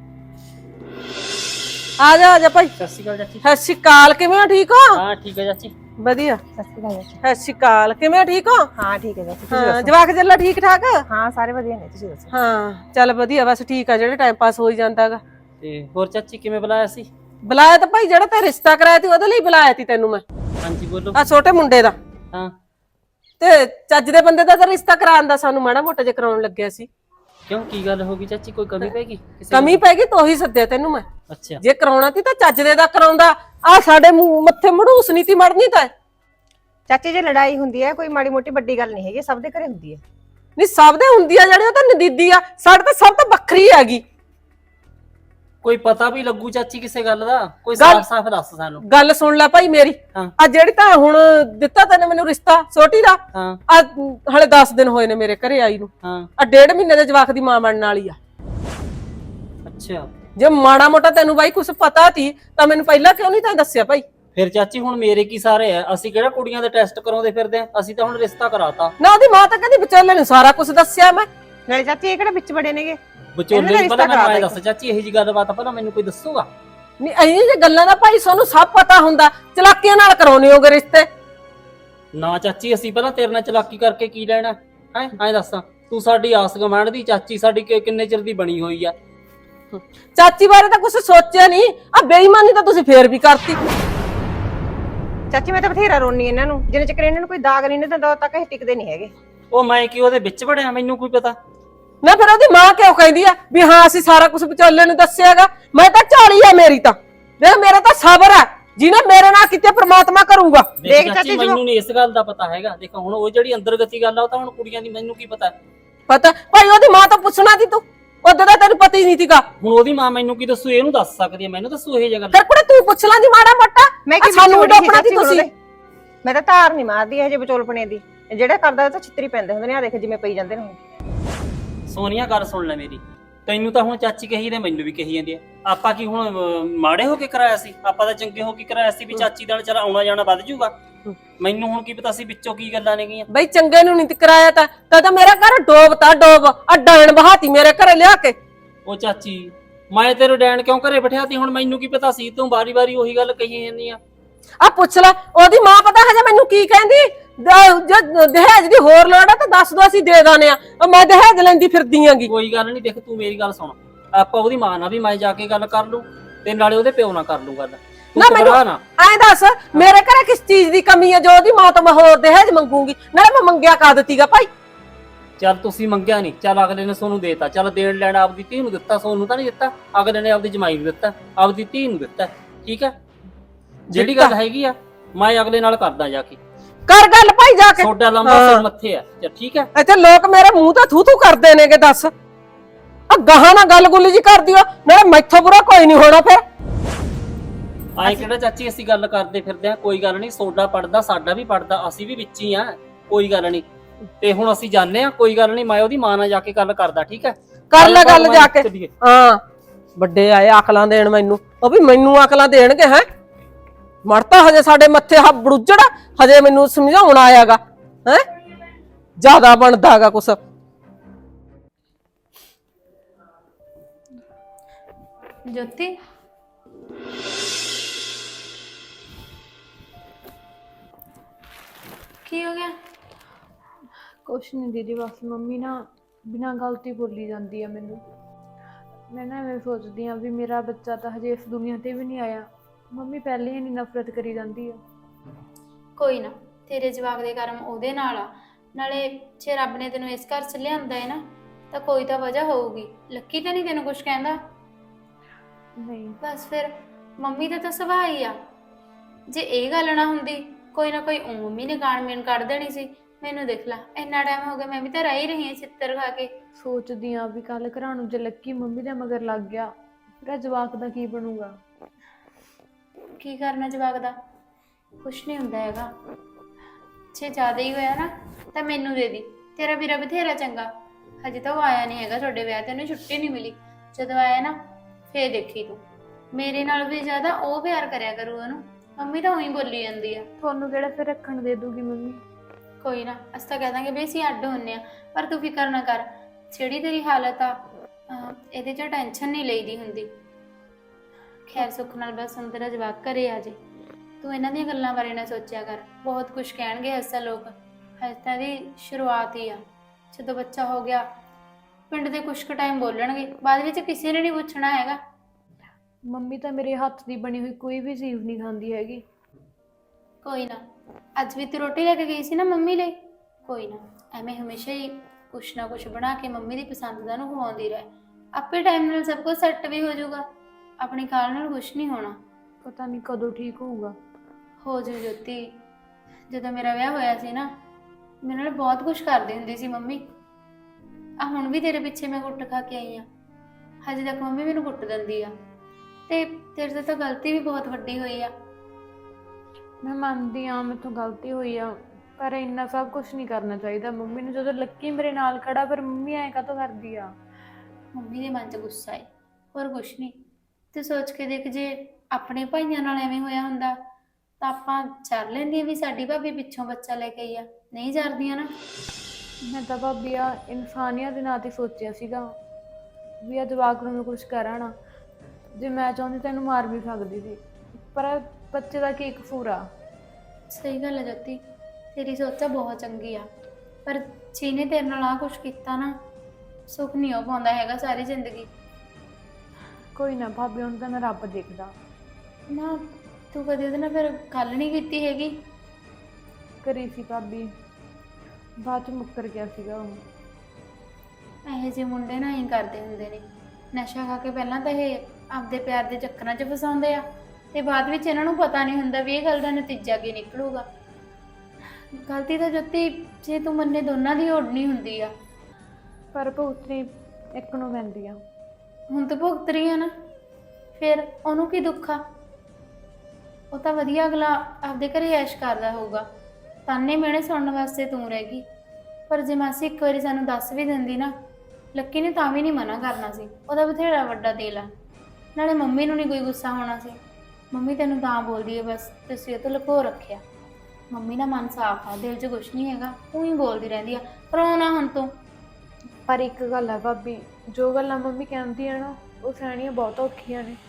Speaker 1: ਆ ਜਾ ਭਾਈ।
Speaker 5: ਸਤਿ ਸ਼੍ਰੀ ਅਕਾਲ ਚਾਚੀ।
Speaker 1: ਸਤਿ ਸ਼੍ਰੀ ਅਕਾਲ, ਕਿਵੇਂ ਹੋ? ਠੀਕ ਹੋ?
Speaker 5: ਹਾਂ ਠੀਕ ਹੈ ਚਾਚੀ।
Speaker 1: ਵਧੀਆ।
Speaker 4: ਸਤਿ ਸ਼੍ਰੀ ਅਕਾਲ ਚਾਚੀ।
Speaker 1: ਸਤਿ ਸ਼੍ਰੀ ਅਕਾਲ, ਕਿਵੇਂ ਹੋ? ਠੀਕ ਹੋ?
Speaker 4: ਹਾਂ ਠੀਕ ਹੈ ਚਾਚੀ, ਤੁਸੀਂ
Speaker 1: ਹਾਂ
Speaker 4: ਦੱਸੋ?
Speaker 1: ਜਵਾਕ ਜੱਲਾ ਠੀਕ ਠਾਕ?
Speaker 4: ਹਾਂ ਸਾਰੇ ਵਧੀਆ ਨੇ, ਤੁਸੀਂ ਦੱਸੋ?
Speaker 1: ਹਾਂ ਚੱਲ ਵਧੀਆ, ਬਸ ਠੀਕ ਆ, ਜਿਹੜੇ ਟਾਈਮ ਪਾਸ ਹੋ ਹੀ ਜਾਂਦਾਗਾ।
Speaker 5: ਤੇ ਹੋਰ ਚਾਚੀ ਕਿਵੇਂ ਬੁਲਾਇਆ ਸੀ?
Speaker 1: ਬੁਲਾਇਆ ਤਾਂ ਭਾਈ ਜਿਹੜਾ ਤੇ ਰਿਸ਼ਤਾ ਕਰਾਇਆ ਸੀ ਉਹਦੇ ਲਈ ਬੁਲਾਇਆ ਸੀ ਤੈਨੂੰ ਮੈਂ।
Speaker 5: ਹਾਂਜੀ ਬੋਲੋ।
Speaker 1: ਆ ਛੋਟੇ ਮੁੰਡੇ ਦਾ
Speaker 5: ਹਾਂ
Speaker 1: ਤੇ ਚੱਜ ਦੇ ਬੰਦੇ ਦਾ ਤਾਂ ਰਿਸ਼ਤਾ ਕਰਾਉਣ ਦਾ ਸਾਨੂੰ ਮਾੜਾ ਮੋਟਾ ਜਿਹਾ ਕਰਾਉਣ ਲੱਗਿਆ ਸੀ।
Speaker 5: ਕਿਉਂ ਕੀ ਗੱਲ ਹੋ ਗਈ ਚਾਚੀ? ਕੋਈ ਕਮੀ ਪੈ ਗਈ ਕਿਸੇ
Speaker 1: ਕਮੀ ਪੈ ਗਈ ਤਾਂ ਹੀ ਸੱਦਿਆ ਤੈਨੂੰ ਮੈਂ।
Speaker 5: ਅੱਛਾ
Speaker 1: ਜੇ ਕਰਾਉਣਾ ਸੀ ਤਾਂ ਚੱਜ ਦੇ ਦਾ ਕਰਾਉਂਦਾ, ਆ ਸਾਡੇ ਮੱਥੇ ਮੜੂਸ ਨਹੀਂ ਤੀ ਮੜਨੀ ਤਾਂ।
Speaker 4: ਚਾਚੀ ਜੇ ਲੜਾਈ ਹੁੰਦੀ ਹੈ ਕੋਈ ਮਾੜੀ ਮੋਟੀ ਵੱਡੀ ਗੱਲ ਨਹੀਂ ਹੈਗੀ, ਸਭ ਦੇ ਘਰੇ ਹੁੰਦੀ ਹੈ।
Speaker 1: ਨਹੀਂ ਸਭ ਦੇ ਹੁੰਦੀ ਆ, ਜਿਹੜੇ ਉਹ ਤਾਂ ਨਦੀਦੀ ਆ, ਸਾਡੇ ਤਾਂ ਸਭ ਤੋਂ ਵੱਖਰੀ ਹੈਗੀ।
Speaker 5: ਕੋਈ ਪਤਾ ਵੀ ਲੱਗੂ ਚਾਚੀ ਕਿਸੇ ਗੱਲ ਦਾ? ਕੋਈ
Speaker 1: ਗੱਲ-
Speaker 5: ਸਾਫ਼ ਸਾਫ਼ ਦੱਸ ਸਾਨੂੰ।
Speaker 1: ਗੱਲ ਸੁਣ ਲੈ ਭਾਈ ਮੇਰੀ,
Speaker 5: ਹਾਂ।
Speaker 1: ਆ ਜਿਹੜੀ ਤਾਂ ਹੁਣ ਦਿੱਤਾ ਤੈਨੂੰ ਮੈਨੂੰ ਰਿਸ਼ਤਾ ਛੋਟੀ ਦਾ,
Speaker 5: ਹਾਂ
Speaker 1: ਆ ਹਲੇ 10 ਦਿਨ ਹੋਏ ਨੇ ਮੇਰੇ ਘਰੇ ਆਈ ਨੂੰ।
Speaker 5: ਹਾਂ
Speaker 1: ਆ 1.5 ਮਹੀਨੇ ਦੇ ਜਵਾਕ ਦੀ ਮਾਂ ਬਣਨ ਵਾਲੀ ਆ।
Speaker 5: ਅੱਛਾ
Speaker 1: ਜੇ ਮਾੜਾ ਮੋਟਾ ਤੈਨੂੰ ਬਾਈ ਕੁਝ ਪਤਾ ਸੀ ਤਾਂ ਮੈਨੂੰ ਪਹਿਲਾਂ ਕਿਉਂ ਨਹੀਂ ਤਾਂ ਦੱਸਿਆ ਭਾਈ?
Speaker 5: ਫਿਰ ਚਾਚੀ ਹੁਣ ਮੇਰੇ ਕੀ ਸਾਰੇ ਆ? ਅਸੀਂ ਕਿਹੜਾ ਕੁੜੀਆਂ ਦੇ ਟੈਸਟ ਕਰਾਉਂਦੇ ਫਿਰਦੇ ਆ? ਅਸੀਂ ਤਾਂ ਹੁਣ ਰਿਸ਼ਤਾ ਕਰਾਤਾ।
Speaker 1: ਨਾ ਉਹਦੀ ਮਾਂ ਤਾਂ ਕਹਿੰਦੀ ਵਿਚਾਲੇ ਨੂੰ ਸਾਰਾ ਕੁਝ ਦੱਸਿਆ ਮੈਂ।
Speaker 4: ਨਾਲੇ ਚਾਚੀ ਇਹ ਕਿਹੜਾ ਵਿੱਚ ਬੜੇ ਨੇਗੇ?
Speaker 5: ਵਿਚੋਲੇ
Speaker 4: ਇਹਨਾਂ ਦਾ
Speaker 5: ਨੂੰ ਪਹਿਲਾਂ
Speaker 4: ਰਿਸ਼ਤਾ
Speaker 5: ਮੈਨੂੰ
Speaker 4: ਕਰਾ
Speaker 5: ਐਂ
Speaker 4: ਤਾ
Speaker 5: ਦੱਸ ਚਾਚੀ, ਇਹੋ ਜੀ ਗੱਲਬਾਤ ਪਹਿਲਾਂ ਮੈਨੂੰ ਕੋਈ ਦੱਸੂਗਾ?
Speaker 1: ਨਹੀਂ ਇਹ ਜੇ ਗੱਲਾਂ ਦਾ ਭਾਈ ਸਾਨੂੰ ਸਭ ਪਤਾ ਹੁੰਦਾ, ਚਲਾਕੀਆਂ ਨਾਲ ਕਰਾਉਣੇ ਹੋਗੇ ਰਿਸ਼ਤੇ।
Speaker 5: ਨਾ ਚਾਚੀ, ਅਸੀਂ ਪਹਿਲਾਂ ਤੇਰੇ ਨਾਲ ਚਲਾਕੀ ਕਰਕੇ ਕੀ ਲੈਣਾ ਹੈ? ਐਂ ਦੱਸ, ਤੂੰ ਸਾਡੀ ਆਸ ਗਵਾਂਢ ਦੀ ਚਾਚੀ ਸਾਡੀ ਕਿੰਨੇ ਚਿਰ ਦੀ ਬਣੀ ਹੋਈ ਆ।
Speaker 1: ਚਾਚੀ ਬਾਰੇ ਤਾਂ ਕੁਝ ਸੋਚਿਆ ਨਹੀਂ, ਆ ਬੇਈਮਾਨੀ ਤਾਂ ਤੁਸੀਂ ਫੇਰ ਵੀ ਕਰਤੀ।
Speaker 4: ਚਾਚੀ ਮੈਂ ਤਾਂ ਬਥੇਰਾ ਰੋਣੀ ਇਹਨਾਂ ਨੂੰ, ਜਿੰਨੇ ਚੱਕਰ ਇਹਨਾਂ ਨੂੰ ਕੋਈ ਦਾਗ ਨਹੀਂ ਦਿੰਦਾ ਉਦੋਂ ਤੱਕ ਇਹ ਟਿਕਦੇ ਨਹੀਂ ਹੈਗੇ।
Speaker 5: ਉਹ ਮੈਂ ਕੀ ਉਹਦੇ ਵਿੱਚ ਵੜਿਆ? ਮੈਨੂੰ ਕੋਈ ਪਤਾ।
Speaker 1: ਨਾ ਫਿਰ ਉਹਦੀ ਮਾਂ ਕਿਉਂ ਕਹਿੰਦੀ ਆ ਵੀ ਹਾਂ ਅਸੀਂ ਸਾਰਾ ਕੁਝ ਵਿਚੋਲੇ ਨੂੰ ਦੱਸਿਆਗਾ? ਮੈਂ ਤਾਂ ਝਾੜੀ ਆ ਮੇਰੀ ਤਾਂ, ਦੇਖ ਮੇਰਾ ਤਾਂ ਸਬਰ ਆ, ਜਿਹਨੇ ਮੇਰੇ ਨਾਲ ਕੀਤੇ ਪ੍ਰਮਾਤਮਾ ਕਰੂਗਾ।
Speaker 5: ਦੇਖ
Speaker 4: ਚਾਚੀ,
Speaker 5: ਚਾਚੀ ਮੈਨੂੰ ਨਹੀਂ ਇਸ ਗੱਲ ਦਾ ਪਤਾ ਹੈਗਾ। ਦੇਖ ਹੁਣ ਉਹ ਜਿਹੜੀ ਅੰਦਰਗਤੀ ਗੱਲ ਆ ਉਹ ਤਾਂ ਹੁਣ ਕੁੜੀਆਂ ਦੀ, ਮੈਨੂੰ ਕੀ ਪਤਾ।
Speaker 1: ਪਤਾ ਭਾਈ ਉਹਦੀ ਮਾਂ ਤਾਂ ਪੁੱਛਣਾ ਸੀ ਤੂੰ, ਉਦੋਂ ਦਾ ਤੈਨੂੰ ਪਤਾ ਹੀ ਨਹੀਂ ਸੀਗਾ।
Speaker 5: ਹੁਣ ਉਹਦੀ ਮਾਂ ਮੈਨੂੰ ਕੀ ਦੱਸੂ? ਇਹਨੂੰ ਦੱਸ ਸਕਦੀ ਹੈ, ਮੈਨੂੰ ਦੱਸੂ ਇਹ ਜਗ੍ਹਾ।
Speaker 1: ਫਿਰ ਕੁੜੇ ਤੂੰ ਪੁੱਛ ਲਾਂ ਦੀ ਮਾੜਾ ਮੋਟਾ।
Speaker 4: ਮੈਂ
Speaker 1: ਆ ਸਾਨੂੰ
Speaker 4: ਬੜੀ
Speaker 1: ਡੋਪਣਾ ਸੀ
Speaker 4: ਚਾਚੀ ਹੁਣ
Speaker 1: ਤੁਸੀਂ।
Speaker 4: ਉਹਦੇ। ਮੈਂ ਤਾਂ ਧਾਰ ਨਹੀਂ ਮਾਰਦੀ ਇਹ ਜੇ ਵਿਚੋਲਪਣੇ ਦੀ, ਜਿਹੜਾ ਕਰਦਾ ਉਹ ਤਾਂ ਛਿੱਤਰੀ ਪੈਂਦੇ ਹੁੰਦੇ ਨੇ। ਆ ਦੇਖ ਜਿਵੇਂ ਪਈ ਜਾਂਦੇ ਨੇ ਹੁਣ।
Speaker 5: ਸੋਨੀਆ ਗੱਲ ਸੁਣ ਲੈ ਮੇਰੀ, ਤੈਨੂੰ ਤਾਂ ਹੁਣ ਚਾਚੀ ਕਹੀ ਤੇ ਮੈਨੂੰ ਵੀ ਕਹੀ ਜਾਂਦੀ ਆ। ਆਪਾਂ ਕੀ ਹੁਣ ਮਾੜੇ ਹੋ ਕੇ ਕਰਾਇਆ ਸੀ? ਆਪਾਂ ਤਾਂ ਚੰਗੇ ਹੋ ਕੇ ਕਰਾਇਆ ਸੀ ਵੀ ਚਾਚੀ ਨਾਲ ਚੱਲ ਆਉਣਾ ਜਾਣਾ ਵੱਧ ਜਾਊਗਾ। ਮੈਨੂੰ ਹੁਣ ਕੀ ਪਤਾ ਸੀ ਵਿੱਚੋਂ ਕੀ ਗੱਲਾਂ ਨੇਗੀਆਂ।
Speaker 1: ਬਈ ਚੰਗੇ ਨੂੰ ਨਹੀਂ ਕਰਾਇਆ ਤਾਂ ਮੇਰਾ ਘਰ ਡੋਬਤਾ, ਡੋਬ ਆ ਡਾਣ ਬਹਾਤੀ ਮੇਰੇ ਘਰੇ ਲਿਆ ਕੇ।
Speaker 5: ਉਹ ਚਾਚੀ ਮੈਂ ਤੇਰੇ ਡੈਣ ਕਿਉਂ ਘਰੇ ਬਿਠਾਤੀ? ਹੁਣ ਮੈਨੂੰ ਕੀ ਪਤਾ ਸੀ? ਤੂੰ ਵਾਰੀ-ਵਾਰੀ ਉਹੀ ਗੱਲ ਕਹੀ ਜਾਂਦੀ ਆ।
Speaker 1: ਆ ਪੁੱਛ ਲੈ ਉਹਦੀ ਮਾਂ, ਪਤਾ ਹਜੇ ਮੈਨੂੰ ਕੀ ਕਹਿੰਦੀ? ਜੇ ਦਹੇਜ ਦੀ ਹੋਰ ਲੋੜ ਆ ਤਾਂ ਦੱਸ ਦੋ, ਅਸੀਂ ਦੇ ਦਾਨੇ ਆ। ਮੈਂ ਦਹੇਜ ਲੈਂਦੀ ਫਿਰਦੀ ਆਂਗੀ।
Speaker 5: ਕੋਈ ਗੱਲ ਨਹੀਂ, ਦੇਖ ਤੂੰ ਮੇਰੀ ਗੱਲ ਸੁਣ, ਆਪਾਂ ਉਹਦੀ ਮਾਂ ਨਾਲ ਵੀ ਮੈਂ ਜਾ ਕੇ ਗੱਲ ਕਰ ਲੂ ਤੇ ਨਾਲੇ ਉਹਦੇ ਪਿਓ ਨਾਲ ਕਰ ਲੂ ਗੱਲ।
Speaker 1: ਨਾ ਮੈਨੂੰ ਐਂ ਦੱਸ, ਮੇਰੇ ਘਰੇ ਕਿਸ ਚੀਜ਼ ਦੀ ਕਮੀ ਹੈ ਜੋ ਉਹਦੀ ਮਾਂ ਤੋਂ ਮੈਂ ਹੋਰ ਦਹੇਜ ਮੰਗੂਗੀ? ਨਾਲੇ ਮੈਂ ਮੰਗਿਆ ਕਾ ਦਿੱਤੀਗਾ ਭਾਈ?
Speaker 5: ਚੱਲ ਤੁਸੀਂ ਮੰਗਿਆ ਨਹੀਂ, ਚੱਲ ਅਗਲੇ ਨੇ ਸੋਨੂੰ ਦੇਤਾ, ਚੱਲ ਦੇਣ ਲੈਣ ਆਪਦੀ ਧੀ ਨੂੰ ਦਿੱਤਾ, ਸੋਨੂੰ ਤਾਂ ਨਹੀਂ ਦਿੱਤਾ। ਅਗਲੇ ਨੇ ਆਪਦੀ ਜਮਾਈ ਨੂੰ ਦਿੱਤਾ, ਆਪਦੀ ਧੀ ਨੂੰ ਦਿੱਤਾ। ਠੀਕ ਹੈ, ਜਿਹੜੀ ਗੱਲ ਹੈਗੀ ਆ ਮੈਂ ਅਗਲੇ ਨਾਲ ਕਰਦਾ ਜਾ ਕੇ।
Speaker 1: ਕਰ ਗੱਲ ਭਾਈ ਜਾ ਕੇ।
Speaker 5: ਛੋਟਾ ਲੰਬਾ ਸਿਰ ਮੱਥੇ ਆ। ਚੱਲ ਠੀਕ ਹੈ,
Speaker 1: ਇੱਥੇ ਲੋਕ ਮੇਰੇ ਮੂੰਹ ਤੇ ਥੂ ਥੂ ਕਰਦੇ ਨੇਗੇ। ਦੱਸ ਆ ਗਾਹਾਂ ਨਾਲ ਗੱਲ ਗੁੱਲੀ ਜੀ ਕਰਦੀ ਆ, ਨਾਲੇ ਮੈਥੋਂ ਬੁਰਾ ਕੋਈ ਨਹੀਂ ਹੋਣਾ। ਫਿਰ
Speaker 5: ਆਏ ਕਿਹੜਾ ਚਾਚੀ ਅਸੀਂ ਗੱਲ ਕਰਦੇ ਫਿਰਦੇ ਆ, ਕੋਈ ਗੱਲ ਨਹੀਂ, ਸੋਡਾ ਪੜਦਾ ਸਾਡਾ ਵੀ ਪੜਦਾ, ਅਸੀਂ ਵੀ ਵਿੱਚ ਹੀ ਆ, ਕੋਈ ਗੱਲ ਨਹੀਂ। ਤੇ ਹੁਣ ਅਸੀਂ ਜਾਣੇ ਆ, ਕੋਈ ਗੱਲ ਨਹੀਂ, ਮੈਂ ਉਹਦੀ ਮਾਂ ਨਾਲ ਜਾ ਕੇ ਗੱਲ ਕਰਦਾ, ਠੀਕ ਹੈ?
Speaker 1: ਕਰ ਲੈ ਗੱਲ ਜਾ ਕੇ।
Speaker 5: ਚੱਲੀਏ।
Speaker 1: ਹਾਂ ਵੱਡੇ ਆਏ ਅਕਲਾਂ ਦੇਣ ਮੈਨੂੰ, ਉਹ ਵੀ ਮੈਨੂੰ ਅਕਲਾਂ ਦੇਣਗੇ ਹੈ। ਮਰਤਾ ਹਜੇ ਸਾਡੇ ਮੱਥੇ ਹਾ ਬੜੂਜੜ, ਹਜੇ ਮੈਨੂੰ ਸਮਝਾਉਣ ਆਇਆਗਾ ਹੈ, ਜ਼ਿਆਦਾ ਬਣਦਾਗਾ ਕੁਛ।
Speaker 2: ਜੋਤੀ ਕੀ ਹੋ ਗਿਆ?
Speaker 6: ਕੁਛ ਨਹੀਂ ਦੀਦੀ, ਬਸ ਮੰਮੀ ਨਾ ਬਿਨਾਂ ਗਲਤੀ ਬੋਲੀ ਜਾਂਦੀ ਆ ਮੈਨੂੰ। ਮੈਂ ਨਾ ਐਵੇਂ ਸੋਚਦੀ ਆ ਵੀ ਮੇਰਾ ਬੱਚਾ ਤਾਂ ਹਜੇ ਇਸ ਦੁਨੀਆ ਤੇ ਵੀ ਨਹੀਂ ਆਇਆ। ਮੰਮੀ ਪਹਿਲੇ ਹੀ ਨਹੀਂ ਨਫ਼ਰਤ ਕਰੀ ਜਾਂਦੀ ਆ।
Speaker 2: ਕੋਈ ਨਾ, ਤੇਰੇ ਜਵਾਕ ਦੇ ਕਰਮ ਉਹਦੇ ਨਾਲ ਆ। ਨਾਲੇ ਜੇ ਰੱਬ ਨੇ ਤੈਨੂੰ ਇਸ ਘਰ 'ਚ ਲਿਆਂਦਾ ਹੈ ਨਾ, ਤਾਂ ਕੋਈ ਤਾਂ ਵਜ੍ਹਾ ਹੋਊਗੀ। ਲੱਕੀ ਤਾਂ ਨਹੀਂ ਤੈਨੂੰ ਕੁਝ ਕਹਿੰਦਾ?
Speaker 6: ਨਹੀਂ
Speaker 2: ਬਸ ਫਿਰ ਮੰਮੀ ਦਾ ਤਾਂ ਸੁਭਾਅ ਹੀ ਆ। ਜੇ ਇਹ ਗੱਲ ਨਾ ਹੁੰਦੀ, ਕੋਈ ਨਾ ਕੋਈ ਮੰਮੀ ਨੇ ਗਾਣ ਮੇਨ ਕੱਢ ਦੇਣੀ ਸੀ। ਮੈਨੂੰ ਦੇਖ ਲੈ, ਇੰਨਾ ਟਾਈਮ ਹੋ ਗਿਆ, ਮੈਂ ਵੀ ਤਾਂ ਰਹਿ ਹੀ ਰਹੀ ਹਾਂ ਛਿੱਤਰ ਖਾ ਕੇ।
Speaker 6: ਸੋਚਦੀ ਆ ਵੀ ਕੱਲ ਘਰਾਂ ਨੂੰ ਜੇ ਲੱਕੀ ਮੰਮੀ ਦੇ ਮਗਰ ਲੱਗ ਗਿਆ, ਮੇਰਾ ਜਵਾਕ ਦਾ ਕੀ ਬਣੂਗਾ?
Speaker 2: ਕੀ ਕਰਨਾ ਜਵਾਕ ਦਾ? ਕੁਛ ਨਹੀਂ ਹੁੰਦਾ ਹੈਗਾ। ਜੇ ਜ਼ਿਆਦਾ ਹੀ ਹੋਇਆ ਨਾ ਤਾਂ ਮੈਨੂੰ ਦੇ ਦੀ, ਤੇਰਾ ਵੀਰਾ ਬਥੇਰਾ ਚੰਗਾ। ਹਜੇ ਤਾਂ ਉਹ ਆਇਆ ਨਹੀਂ ਹੈਗਾ ਤੁਹਾਡੇ ਵਿਆਹ ਤੇ, ਉਹਨੂੰ ਛੁੱਟੀ ਨਹੀਂ ਮਿਲੀ। ਜਦੋਂ ਆਇਆ ਨਾ ਫੇਰ ਦੇਖੀ ਤੂੰ, ਮੇਰੇ ਨਾਲ ਵੀ ਜ਼ਿਆਦਾ ਉਹ ਪਿਆਰ ਕਰਿਆ ਕਰੂ ਉਹਨੂੰ। ਮੰਮੀ ਤਾਂ ਉਹੀ ਬੋਲੀ ਜਾਂਦੀ ਆ।
Speaker 6: ਤੁਹਾਨੂੰ ਕਿਹੜਾ ਫਿਰ ਰੱਖਣ ਦੇ ਦੂਗੀ ਮੰਮੀ?
Speaker 2: ਕੋਈ ਨਾ, ਅਸੀਂ ਤਾਂ ਕਹਿ ਦਾਂਗੇ ਵੀ ਅਸੀਂ ਅੱਡ ਹੁੰਨੇ ਆ, ਪਰ ਤੂੰ ਫਿਕਰ ਨਾ ਕਰ। ਜਿਹੜੀ ਤੇਰੀ ਹਾਲਤ ਆ, ਇਹਦੇ 'ਚ ਟੈਨਸ਼ਨ ਨਹੀਂ ਲਈਦੀ ਹੁੰਦੀ। ਖੈਰ ਸੁੱਖ ਨਾਲ ਬਸ ਹੁਣ ਤੇਰਾ ਜਵਾਕ ਘਰੇ ਆ ਜੇ। ਤੂੰ ਇਹਨਾਂ ਦੀਆਂ ਗੱਲਾਂ ਬਾਰੇ ਨਾ ਸੋਚਿਆ ਕਰ, ਬਹੁਤ ਕੁਝ ਕਹਿਣਗੇ ਹੱਸਾ ਲੋਕ। ਹਜੇ ਤਾਂ ਇਹਦੀ ਸ਼ੁਰੂਆਤ ਹੀ ਆ। ਜਦੋਂ ਬੱਚਾ ਹੋ ਗਿਆ, ਪਿੰਡ ਦੇ ਕੁਛ ਕੁ ਟਾਈਮ ਬੋਲਣਗੇ, ਬਾਅਦ ਵਿੱਚ ਕਿਸੇ ਨੇ ਨਹੀਂ ਪੁੱਛਣਾ ਹੈਗਾ।
Speaker 6: ਮੰਮੀ ਤਾਂ ਮੇਰੇ ਹੱਥ ਦੀ ਬਣੀ ਹੋਈ ਕੋਈ ਵੀ ਚੀਜ਼ ਨਹੀਂ ਖਾਂਦੀ ਹੈਗੀ।
Speaker 2: ਕੋਈ ਨਾ, ਅੱਜ ਵੀ ਤੂੰ ਰੋਟੀ ਲੈ ਕੇ ਗਈ ਸੀ ਨਾ ਮੰਮੀ ਲਈ। ਕੋਈ ਨਾ, ਐਵੇਂ ਹਮੇਸ਼ਾ ਹੀ ਕੁਛ ਨਾ ਕੁਛ ਬਣਾ ਕੇ ਮੰਮੀ ਦੀ ਪਸੰਦ ਦਾ ਨੂੰ ਖਵਾਉਂਦੀ ਰਹਿ। ਆਪੇ ਟਾਈਮ ਨਾਲ ਸਭ ਕੁਝ ਸੈੱਟ ਵੀ ਹੋ ਜਾਊਗਾ। ਆਪਣੀ ਕਾਲ ਨਾਲ ਕੁਛ ਨਹੀਂ ਹੋਣਾ।
Speaker 6: ਪਤਾ ਨਹੀਂ ਕਦੋਂ ਠੀਕ ਹੋਊਗਾ।
Speaker 2: ਹੋ ਜੂ ਜੋਤੀ। ਜਦੋਂ ਮੇਰਾ ਵਿਆਹ ਹੋਇਆ ਸੀ ਨਾ, ਮੇਰੇ ਨਾਲ ਬਹੁਤ ਕੁਛ ਕਰਦੀ ਹੁੰਦੀ ਸੀ ਮੰਮੀ। ਆ ਹੁਣ ਵੀ ਤੇਰੇ ਪਿੱਛੇ ਮੈਂ ਕੁੱਟ ਖਾ ਕੇ ਆਈ ਆ। ਹਜੇ ਤੱਕ ਮੰਮੀ ਮੈਨੂੰ ਕੁੱਟ ਦਿੰਦੀ ਆ। ਤੇ ਤੇਰੇ ਤੋਂ ਤਾਂ ਗਲਤੀ ਵੀ ਬਹੁਤ ਵੱਡੀ ਹੋਈ ਆ।
Speaker 6: ਮੈਂ ਮੰਨਦੀ ਆ ਮੈਥੋਂ ਗਲਤੀ ਹੋਈ ਆ, ਪਰ ਇੰਨਾ ਸਭ ਕੁਝ ਨਹੀਂ ਕਰਨਾ ਚਾਹੀਦਾ ਮੰਮੀ ਨੂੰ। ਜਦੋਂ ਲੱਕੀ ਮੇਰੇ ਨਾਲ ਖੜਾ, ਪਰ ਮੰਮੀ ਐਂ ਕਾਹਤੋਂ ਕਰਦੀ ਆ?
Speaker 2: ਮੰਮੀ ਦੇ ਮਨ 'ਚ ਗੁੱਸਾ ਹੈ, ਹੋਰ ਕੁਛ ਨਹੀਂ। ਤੇ ਸੋਚ ਕੇ ਦੇਖ, ਜੇ ਆਪਣੇ ਭਾਈਆਂ ਨਾਲ ਐਵੇਂ ਹੋਇਆ ਹੁੰਦਾ ਤਾਂ ਆਪਾਂ ਚਰ ਲੈਂਦੀਆਂ ਵੀ ਸਾਡੀ ਭਾਬੀ ਪਿੱਛੋਂ ਬੱਚਾ ਲੈ ਕੇ ਆਈ ਆ। ਨਹੀਂ ਜਰਦੀਆਂ ਨਾ।
Speaker 6: ਮੈਂ ਤਾਂ ਭਾਬੀ ਆ ਇਨਸਾਨੀਅਤ ਦੇ ਨਾਂ ਤੇ ਸੋਚਿਆ ਸੀਗਾ ਵੀ ਆ ਜਵਾਕ ਨੂੰ ਮੈਂ ਕੁਛ ਕਰਾਂ ਨਾ। ਜੇ ਮੈਂ ਚਾਹੁੰਦੀ ਤਾਂ ਇਹਨੂੰ ਮਾਰ ਵੀ ਸਕਦੀ ਸੀ, ਪਰ ਬੱਚੇ ਦਾ ਕੀ ਕਸੂਰ ਆ?
Speaker 2: ਸਹੀ ਗੱਲ ਹੈ ਜੋਤੀ, ਤੇਰੀ ਸੋਚ ਤਾਂ ਬਹੁਤ ਚੰਗੀ ਆ, ਪਰ ਜਿਹਨੇ ਤੇਰੇ ਨਾਲ ਆ ਕੁਛ ਕੀਤਾ ਨਾ, ਸੁੱਖ ਨਹੀਂ ਹੋ ਪਾਉਂਦਾ ਹੈਗਾ ਸਾਰੀ ਜ਼ਿੰਦਗੀ।
Speaker 6: ਕੋਈ ਨਾ ਭਾਬੀ, ਹੁਣ ਤਾਂ ਮੈਂ ਰੱਬ ਦੇਖਦਾ।
Speaker 2: ਨਾ ਤੂੰ ਕਦੇ ਉਹਦੇ ਨਾਲ ਫਿਰ ਗੱਲ ਨਹੀਂ ਕੀਤੀ ਹੈਗੀ?
Speaker 6: ਕਰੀ ਸੀ ਭਾਬੀ, ਬਾਅਦ ਚ ਮੁੱਕਰ ਗਿਆ ਸੀਗਾ ਉਹ।
Speaker 2: ਇਹੋ ਜਿਹੇ ਮੁੰਡੇ ਨਾ ਹੀ ਕਰਦੇ ਹੁੰਦੇ ਨੇ। ਨਸ਼ਾ ਖਾ ਕੇ ਪਹਿਲਾਂ ਤਾਂ ਇਹ ਆਪਦੇ ਪਿਆਰ ਦੇ ਚੱਕਰਾਂ 'ਚ ਫਸਾਉਂਦੇ ਆ, ਤੇ ਬਾਅਦ ਵਿੱਚ ਇਹਨਾਂ ਨੂੰ ਪਤਾ ਨਹੀਂ ਹੁੰਦਾ ਵੀ ਇਹ ਗੱਲ ਦਾ ਨਤੀਜਾ ਕੀ ਨਿਕਲੂਗਾ। ਗਲਤੀ ਤਾਂ ਜੋਤੀ ਜੇ ਤੂੰ ਮੰਨੇ ਦੋਨਾਂ ਦੀ ਹੋਣੀ ਹੁੰਦੀ ਆ,
Speaker 6: ਪਰ ਭੁਗਤਣੀ ਇੱਕ ਨੂੰ ਪੈਂਦੀ ਆ।
Speaker 2: ਹੁਣ ਤਾਂ ਭੁਗਤ ਰਹੀ ਆ ਨਾ, ਫਿਰ ਉਹਨੂੰ ਕੀ ਦੁੱਖ ਆ? ਉਹ ਤਾਂ ਵਧੀਆ ਅਗਲਾ ਆਪਦੇ ਘਰੇ ਐਸ਼ ਕਰਦਾ ਹੋਊਗਾ। ਤਾਨੇ ਮਿਹਣੇ ਸੁਣਨ ਵਾਸਤੇ ਤੂੰ ਰਹਿ ਗਈ। ਪਰ ਜੇ ਮਾਸੀ ਇੱਕ ਵਾਰੀ ਸਾਨੂੰ ਦੱਸ ਵੀ ਦਿੰਦੀ ਨਾ, ਲੱਕੀ ਨੇ ਤਾਂ ਵੀ ਨਹੀਂ ਮਨਾ ਕਰਨਾ ਸੀ। ਉਹਦਾ ਬਥੇਰਾ ਵੱਡਾ ਦਿਲ ਆ। ਨਾਲੇ ਮੰਮੀ ਨੂੰ ਨਹੀਂ ਕੋਈ ਗੁੱਸਾ ਹੋਣਾ ਸੀ। ਮੰਮੀ ਤੈਨੂੰ ਤਾਂ ਬੋਲਦੀ ਹੈ ਬਸ ਤੁਸੀਂ ਉਹ ਤੋਂ ਲੁਕੋ ਰੱਖਿਆ। ਮੰਮੀ ਦਾ ਮਨ ਸਾਫ਼ ਆ, ਦਿਲ 'ਚ ਕੁਛ ਨਹੀਂ ਹੈਗਾ, ਤੂੰ ਹੀ ਬੋਲਦੀ ਰਹਿੰਦੀ ਆ। ਰੋਣਾ ਹੁਣ ਤੂੰ।
Speaker 6: ਪਰ ਇੱਕ ਗੱਲ ਆ ਭਾਬੀ, ਜੋ ਗੱਲਾਂ ਮੰਮੀ ਕਹਿੰਦੀ ਆ ਨਾ, ਉਹ ਸਹਿਣੀਆਂ ਬਹੁਤ ਔਖੀਆਂ ਨੇ।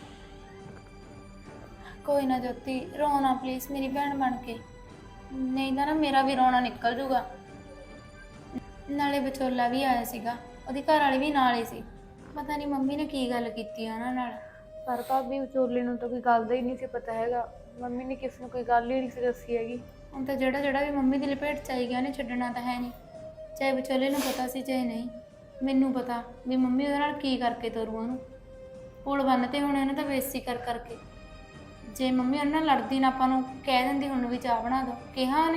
Speaker 2: ਕੋਈ ਨਾ ਜੋਤੀ, ਰੋਣਾ ਪਲੀਜ਼ ਮੇਰੀ ਭੈਣ ਬਣ ਕੇ, ਨਹੀਂ ਤਾਂ ਨਾ ਮੇਰਾ ਵੀ ਰੋਣਾ ਨਿਕਲ ਜੂਗਾ। ਨਾਲੇ ਵਿਚੋਲਾ ਵੀ ਆਇਆ ਸੀਗਾ, ਉਹਦੀ ਘਰ ਵਾਲੀ ਵੀ ਨਾਲ ਹੀ ਸੀ। ਪਤਾ ਨਹੀਂ ਮੰਮੀ ਨੇ ਕੀ ਗੱਲ ਕੀਤੀ ਆ ਉਹਨਾਂ ਨਾਲ।
Speaker 6: ਪਰ ਭਾਬੀ ਵਿਚੋਲੇ ਨੂੰ ਤਾਂ ਕੋਈ ਗੱਲ ਦਾ ਹੀ ਨਹੀਂ ਸੀ ਪਤਾ ਹੈਗਾ। ਮੰਮੀ ਨੇ ਕਿਸੇ ਨੂੰ ਕੋਈ ਗੱਲ ਹੀ ਨਹੀਂ ਸੀ ਦੱਸੀ ਹੈਗੀ।
Speaker 2: ਹੁਣ ਤਾਂ ਜਿਹੜਾ ਵੀ ਮੰਮੀ ਦੀ ਲਪੇਟ 'ਚ ਆਈ ਗਿਆ, ਉਹਨੇ ਛੱਡਣਾ ਤਾਂ ਹੈ ਨਹੀਂ। ਚਾਹੇ ਵਿਚੋਲੇ ਨੂੰ ਪਤਾ ਸੀ ਚਾਹੇ ਨਹੀਂ, ਮੈਨੂੰ ਪਤਾ ਵੀ ਮੰਮੀ ਉਹਦੇ ਨਾਲ ਕੀ ਕਰਕੇ ਤੋਰੂ ਉਹਨੂੰ। ਪੁਲ ਬੰਨ ਤੇ ਹੁਣ ਇਹਨੇ ਤਾਂ ਬੇਇੱਜ਼ਤੀ ਕਰ ਕਰਕੇ। ਜੇ ਮੰਮੀ ਉਹਨਾਂ ਨਾਲ ਲੜਦੀ ਨਾ, ਆਪਾਂ ਨੂੰ ਕਹਿ ਦਿੰਦੀ ਹੁਣ ਵੀ ਚਾਹ ਬਣਾ ਦੋ, ਕਿਹਾ ਉਹਨੇ?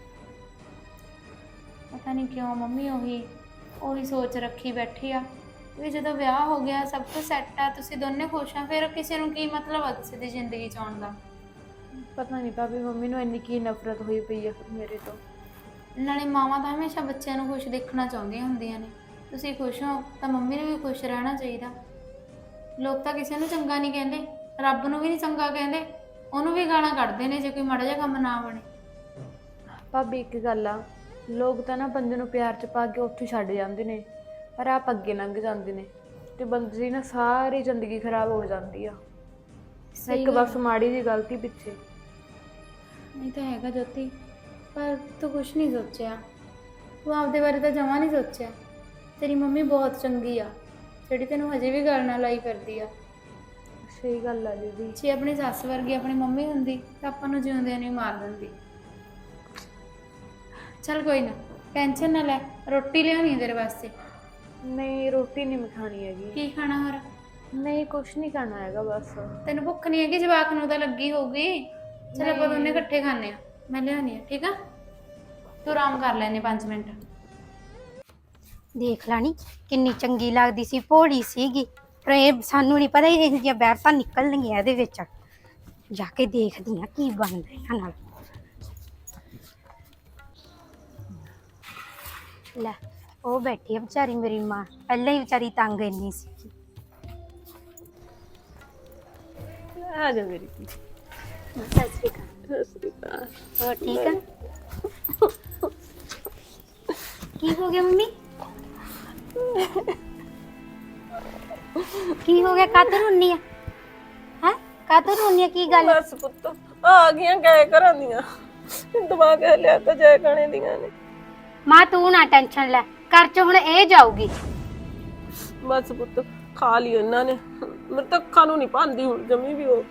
Speaker 2: ਪਤਾ ਨਹੀਂ ਕਿਉਂ ਮੰਮੀ ਉਹੀ ਸੋਚ ਰੱਖੀ ਬੈਠੀ ਆ। ਵੀ ਜਦੋਂ ਵਿਆਹ ਹੋ ਗਿਆ ਸਭ ਕੁਝ ਸੈੱਟ ਆ ਤੁਸੀਂ ਦੋਨੇ ਖੁਸ਼ ਆ ਫਿਰ ਕਿਸੇ ਨੂੰ ਕੀ ਮਤਲਬ ਆ ਕਿਸੇ ਦੀ ਜ਼ਿੰਦਗੀ ਚ ਆਉਣ ਦਾ।
Speaker 6: ਪਤਾ ਨਹੀਂ ਭਾਬੀ ਮੰਮੀ ਨੂੰ ਇੰਨੀ ਕੀ ਨਫ਼ਰਤ ਹੋਈ ਪਈ ਆ ਮੇਰੇ ਤੋਂ।
Speaker 2: ਨਾਲੇ ਮਾਵਾਂ ਤਾਂ ਹਮੇਸ਼ਾ ਬੱਚਿਆਂ ਨੂੰ ਖੁਸ਼ ਦੇਖਣਾ ਚਾਹੁੰਦੀਆਂ ਹੁੰਦੀਆਂ ਨੇ। ਤੁਸੀਂ ਖੁਸ਼ ਹੋ ਤਾਂ ਮੰਮੀ ਨੂੰ ਵੀ ਖੁਸ਼ ਰਹਿਣਾ ਚਾਹੀਦਾ। ਲੋਕ ਤਾਂ ਕਿਸੇ ਨੂੰ ਚੰਗਾ ਨਹੀਂ ਕਹਿੰਦੇ, ਰੱਬ ਨੂੰ ਵੀ ਨਹੀਂ ਚੰਗਾ ਕਹਿੰਦੇ, ਉਹਨੂੰ ਵੀ ਗਾਲਾਂ ਕੱਢਦੇ ਨੇ ਜੇ ਕੋਈ ਮਾੜਾ ਜਿਹਾ ਕੰਮ ਨਾ ਬਣੇ।
Speaker 6: ਭਾਬੀ ਇੱਕ ਗੱਲ ਆ, ਲੋਕ ਤਾਂ ਨਾ ਬੰਦੇ ਨੂੰ ਪਿਆਰ ਚ ਪਾ ਕੇ ਉੱਥੇ ਛੱਡ ਜਾਂਦੇ ਨੇ, ਪਰ ਆਪ ਅੱਗੇ ਲੰਘ ਜਾਂਦੇ ਨੇ ਤੇ ਬੰਦੇ ਦੀ ਨਾ ਸਾਰੀ ਜ਼ਿੰਦਗੀ ਖਰਾਬ ਹੋ ਜਾਂਦੀ ਆ ਇੱਕ ਬਸ ਮਾੜੀ ਜੀ ਗਲਤੀ ਪਿੱਛੇ।
Speaker 2: ਨਹੀਂ ਤਾਂ ਹੈਗਾ ਜੋਤੀ, ਪਰ ਤੂੰ ਕੁਛ ਨਹੀਂ ਸੋਚਿਆ। ਤੂੰ ਆਪਦੇ ਬਾਰੇ ਤਾਂ ਜਮਾਂ ਨਹੀਂ ਸੋਚਿਆ। ਤੇਰੀ ਮੰਮੀ ਬਹੁਤ ਚੰਗੀ ਆ ਜਿਹੜੀ ਤੈਨੂੰ ਹਜੇ ਵੀ ਗੱਲ ਨਾਲ ਲਾਈ ਫਿਰਦੀ ਆ।
Speaker 6: ਸਹੀ ਗੱਲ ਆ ਦੀਦੀ।
Speaker 2: ਜੇ ਆਪਣੀ ਸੱਸ ਵਰਗੀ ਆਪਣੀ ਮੰਮੀ ਹੁੰਦੀ ਤਾਂ ਆਪਾਂ ਨੂੰ ਜਿਉਂਦਿਆਂ ਨੂੰ ਹੀ ਮਾਰ ਦਿੰਦੀ। ਚੱਲ ਕੋਈ ਨਾ, ਟੈਨਸ਼ਨ ਨਾ ਲੈ, ਰੋਟੀ ਲਿਆਉਣੀ ਹੈ ਤੇਰੇ ਵਾਸਤੇ।
Speaker 6: ਨਹੀਂ ਰੋਟੀ ਨਹੀਂ ਖਾਣੀ ਹੈਗੀ।
Speaker 2: ਕੀ ਖਾਣਾ ਹੋਰ?
Speaker 6: ਨਹੀਂ ਕੁਛ ਨਹੀਂ ਖਾਣਾ ਹੈਗਾ ਬਸ।
Speaker 2: ਤੈਨੂੰ ਭੁੱਖ ਨਹੀਂ ਹੈਗੀ? ਜਵਾਕ ਨੂੰ ਤਾਂ ਲੱਗੀ ਹੋਊਗੀ। ਚਲ ਆਪਾਂ ਦੋਨੇ ਇਕੱਠੇ ਖਾਣੇ ਆ, ਮੈਂ ਲਿਆਉਣੀ ਆ, ਠੀਕ ਆ? ਤੂੰ ਆਰਾਮ ਕਰ ਲੈਨੇ 5 ਮਿੰਟ।
Speaker 7: ਦੇਖ ਲਾਣੀ ਕਿੰਨੀ ਚੰਗੀ ਲੱਗਦੀ ਸੀ, ਭੋਲੀ ਸੀਗੀ, ਪਰ ਇਹ ਸਾਨੂੰ ਨਹੀਂ ਪਤਾ ਇਹ ਜਿਹੀਆਂ ਬੈਰਤਾਂ ਨਿਕਲਣਗੀਆਂ ਇਹਦੇ ਵਿੱਚ। ਜਾ ਕੇ ਦੇਖਦੀ ਆ ਕੀ ਬਣਦਾ ਇਹਨਾਂ ਨਾਲ। ਲੈ ਉਹ ਬੈਠੀ ਆ ਵਿਚਾਰੀ ਮੇਰੀ ਮਾਂ, ਪਹਿਲਾਂ ਹੀ ਵਿਚਾਰੀ ਤੰਗ ਇੰਨੀ ਸੀ।
Speaker 1: ਆ ਜਾ ਮੇਰੀ ਧੀ।
Speaker 7: ਸਤਿ ਸ਼੍ਰੀ ਅਕਾਲ।
Speaker 1: ਸਤਿ ਸ੍ਰੀ ਅਕਾਲ।
Speaker 7: ਹੋਰ ਠੀਕ ਆ? ਕੀ ਹੋ ਗਿਆ ਮੰਮੀ? ਕੀ ਹੋ ਗਿਆ? ਕਾਹਤੋਂ ਰੋਨੀ ਆ? ਹੈ ਕਾਹਤੋਂ ਰੋਨੀ ਆ? ਕੀ ਗੱਲ?
Speaker 1: ਬਸ ਪੁੱਤ ਆ ਗਈਆਂ ਗਏ ਘਰਾਂ ਦੀਆਂ, ਦਿਮਾਗ ਲਿਆ ਤਾਂ ਜੈ ਖਾਣੇ ਦੀਆਂ ਨੇ।
Speaker 7: ਮਾਂ ਤੂੰ ਨਾ ਟੈਨਸ਼ਨ ਲੈ, ਘਰ ਚ ਹੁਣ ਇਹ ਜਾਊਗੀ।
Speaker 1: ਬਸ ਪੁੱਤ ਖਾ ਲਈ ਇਹਨਾਂ ਨੇ, ਮੇਰੇ ਤਾਂ ਅੱਖਾਂ ਨੂੰ ਨਹੀਂ ਭਾਂਦੀ ਹੁਣ ਜਮੀ ਵੀ। ਉਹ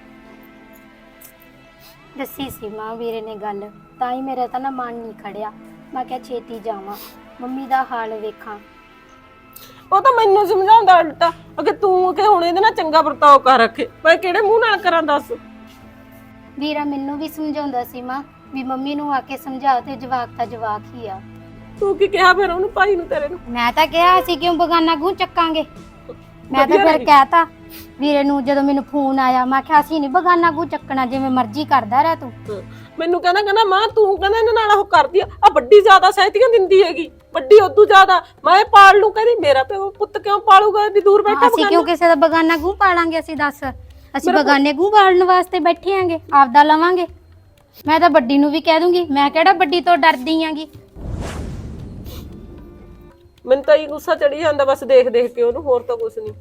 Speaker 7: ਦੱਸੀ ਸੀ ਮਾਂ ਵੀਰੇ ਨੇ ਗੱਲ, ਤਾਂ ਹੀ ਮੇਰਾ ਤਾਂ ਨਾ ਮਨ ਨਹੀਂ ਖੜਿਆ। ਮੈਂ ਕਿਹਾ ਛੇਤੀ ਜਾਵਾਂ, ਮੰਮੀ ਦਾ ਹਾਲ ਵੇਖਾਂ।
Speaker 1: ਉਹ ਤਾਂ ਮੈਨੂੰ ਸਮਝਾਉਂਦਾ ਉਲਟਾ, ਅਗੇ ਤੂੰ ਕਿ ਹੁਣ ਇਹਦੇ ਨਾਲ ਚੰਗਾ ਵਰਤਾਓ ਕਰ ਰੱਖੇ, ਮੈਂ ਕਿਹੜੇ ਮੂੰਹ ਨਾਲ ਕਰਾਂ ਦੱਸ।
Speaker 7: ਵੀਰਾ ਮੈਨੂੰ ਵੀ ਸਮਝਾਉਂਦਾ ਸੀ ਮਾਂ ਵੀ ਮੰਮੀ ਨੂੰ ਆ ਕੇ ਸਮਝਾ, ਤੇ ਜਵਾਕ ਤਾਂ ਜਵਾਕ ਹੀ ਆ।
Speaker 1: ਤੂੰ ਕੀ ਕਿਹਾ ਫਿਰ ਉਹਨੂੰ, ਭਾਈ ਨੂੰ ਤੇਰੇ ਨੂੰ?
Speaker 7: ਮੈਂ ਤਾਂ ਕਿਹਾ ਅਸੀਂ ਕਿਉਂ ਬਗਾਨਾ ਗੂੰ ਚੱਕਾਂਗੇ। ਮੈਂ ਤਾਂ ਫਿਰ ਕਹਿਤਾ ਵੀਰੇ ਨੂੰ, ਜਦੋਂ ਮੈਨੂੰ ਫੋਨ ਆਇਆ ਮੈਂ ਕਿਹਾ ਅਸੀਂ ਨਹੀਂ ਬਗਾਨਾ ਗੂੰ ਚੱਕਣਾ, ਜਿਵੇਂ ਮਰਜ਼ੀ ਕਰਦਾ ਰਹਿ ਤੂੰ।
Speaker 1: ਮੈਨੂੰ ਕਹਿੰਦਾ ਮਾਂ ਤੂੰ ਕਹਿੰਦਾ ਇਹਨਾਂ ਨਾਲ ਉਹ ਕਰਦੀ ਆ ਵੱਡੀ ਜ਼ਿਆਦਾ ਸਹਿਤੀਆਂ ਦਿੰਦੀ ਹੈਗੀ, ਵੱਡੀ ਉਦੋਂ ਜ਼ਿਆਦਾ ਮੈਂ ਇਹ ਪਾਲ ਲੂ। ਕਹਿੰਦੀ ਮੇਰਾ ਪਿਓ ਪੁੱਤ ਕਿਉਂ ਪਾਲੂਗਾ, ਇੰਨੀ ਦੂਰ ਬੈਠਾ?
Speaker 7: ਅਸੀਂ ਕਿਉਂ ਕਿਸੇ ਦਾ ਬਗਾਨਾ ਗੂੰ ਪਾਲਾਂਗੇ? ਅਸੀਂ ਦੱਸ, ਅਸੀਂ ਬਗਾਨੇ ਗੂੰ ਪਾਲਣ ਵਾਸਤੇ ਬੈਠੇ ਆਂਗੇ, ਆਪਦਾ ਲਵਾਂਗੇ। ਮੈਂ ਤਾਂ ਵੱਡੀ ਨੂੰ ਵੀ ਕਹਿ ਦੂੰਗੀ, ਮੈਂ ਕਿਹੜਾ ਵੱਡੀ ਤੋਂ ਡਰਦੀ ਆਂਗੀ।
Speaker 1: ਮੈਨੂੰ ਤਾਂ ਇਹ ਗੁੱਸਾ ਚੜੀ ਜਾਂਦਾ ਬਸ ਦੇਖ ਦੇਖ ਕੇ ਉਹਨੂੰ, ਹੋਰ ਤਾਂ ਕੁਝ ਨਹੀਂ।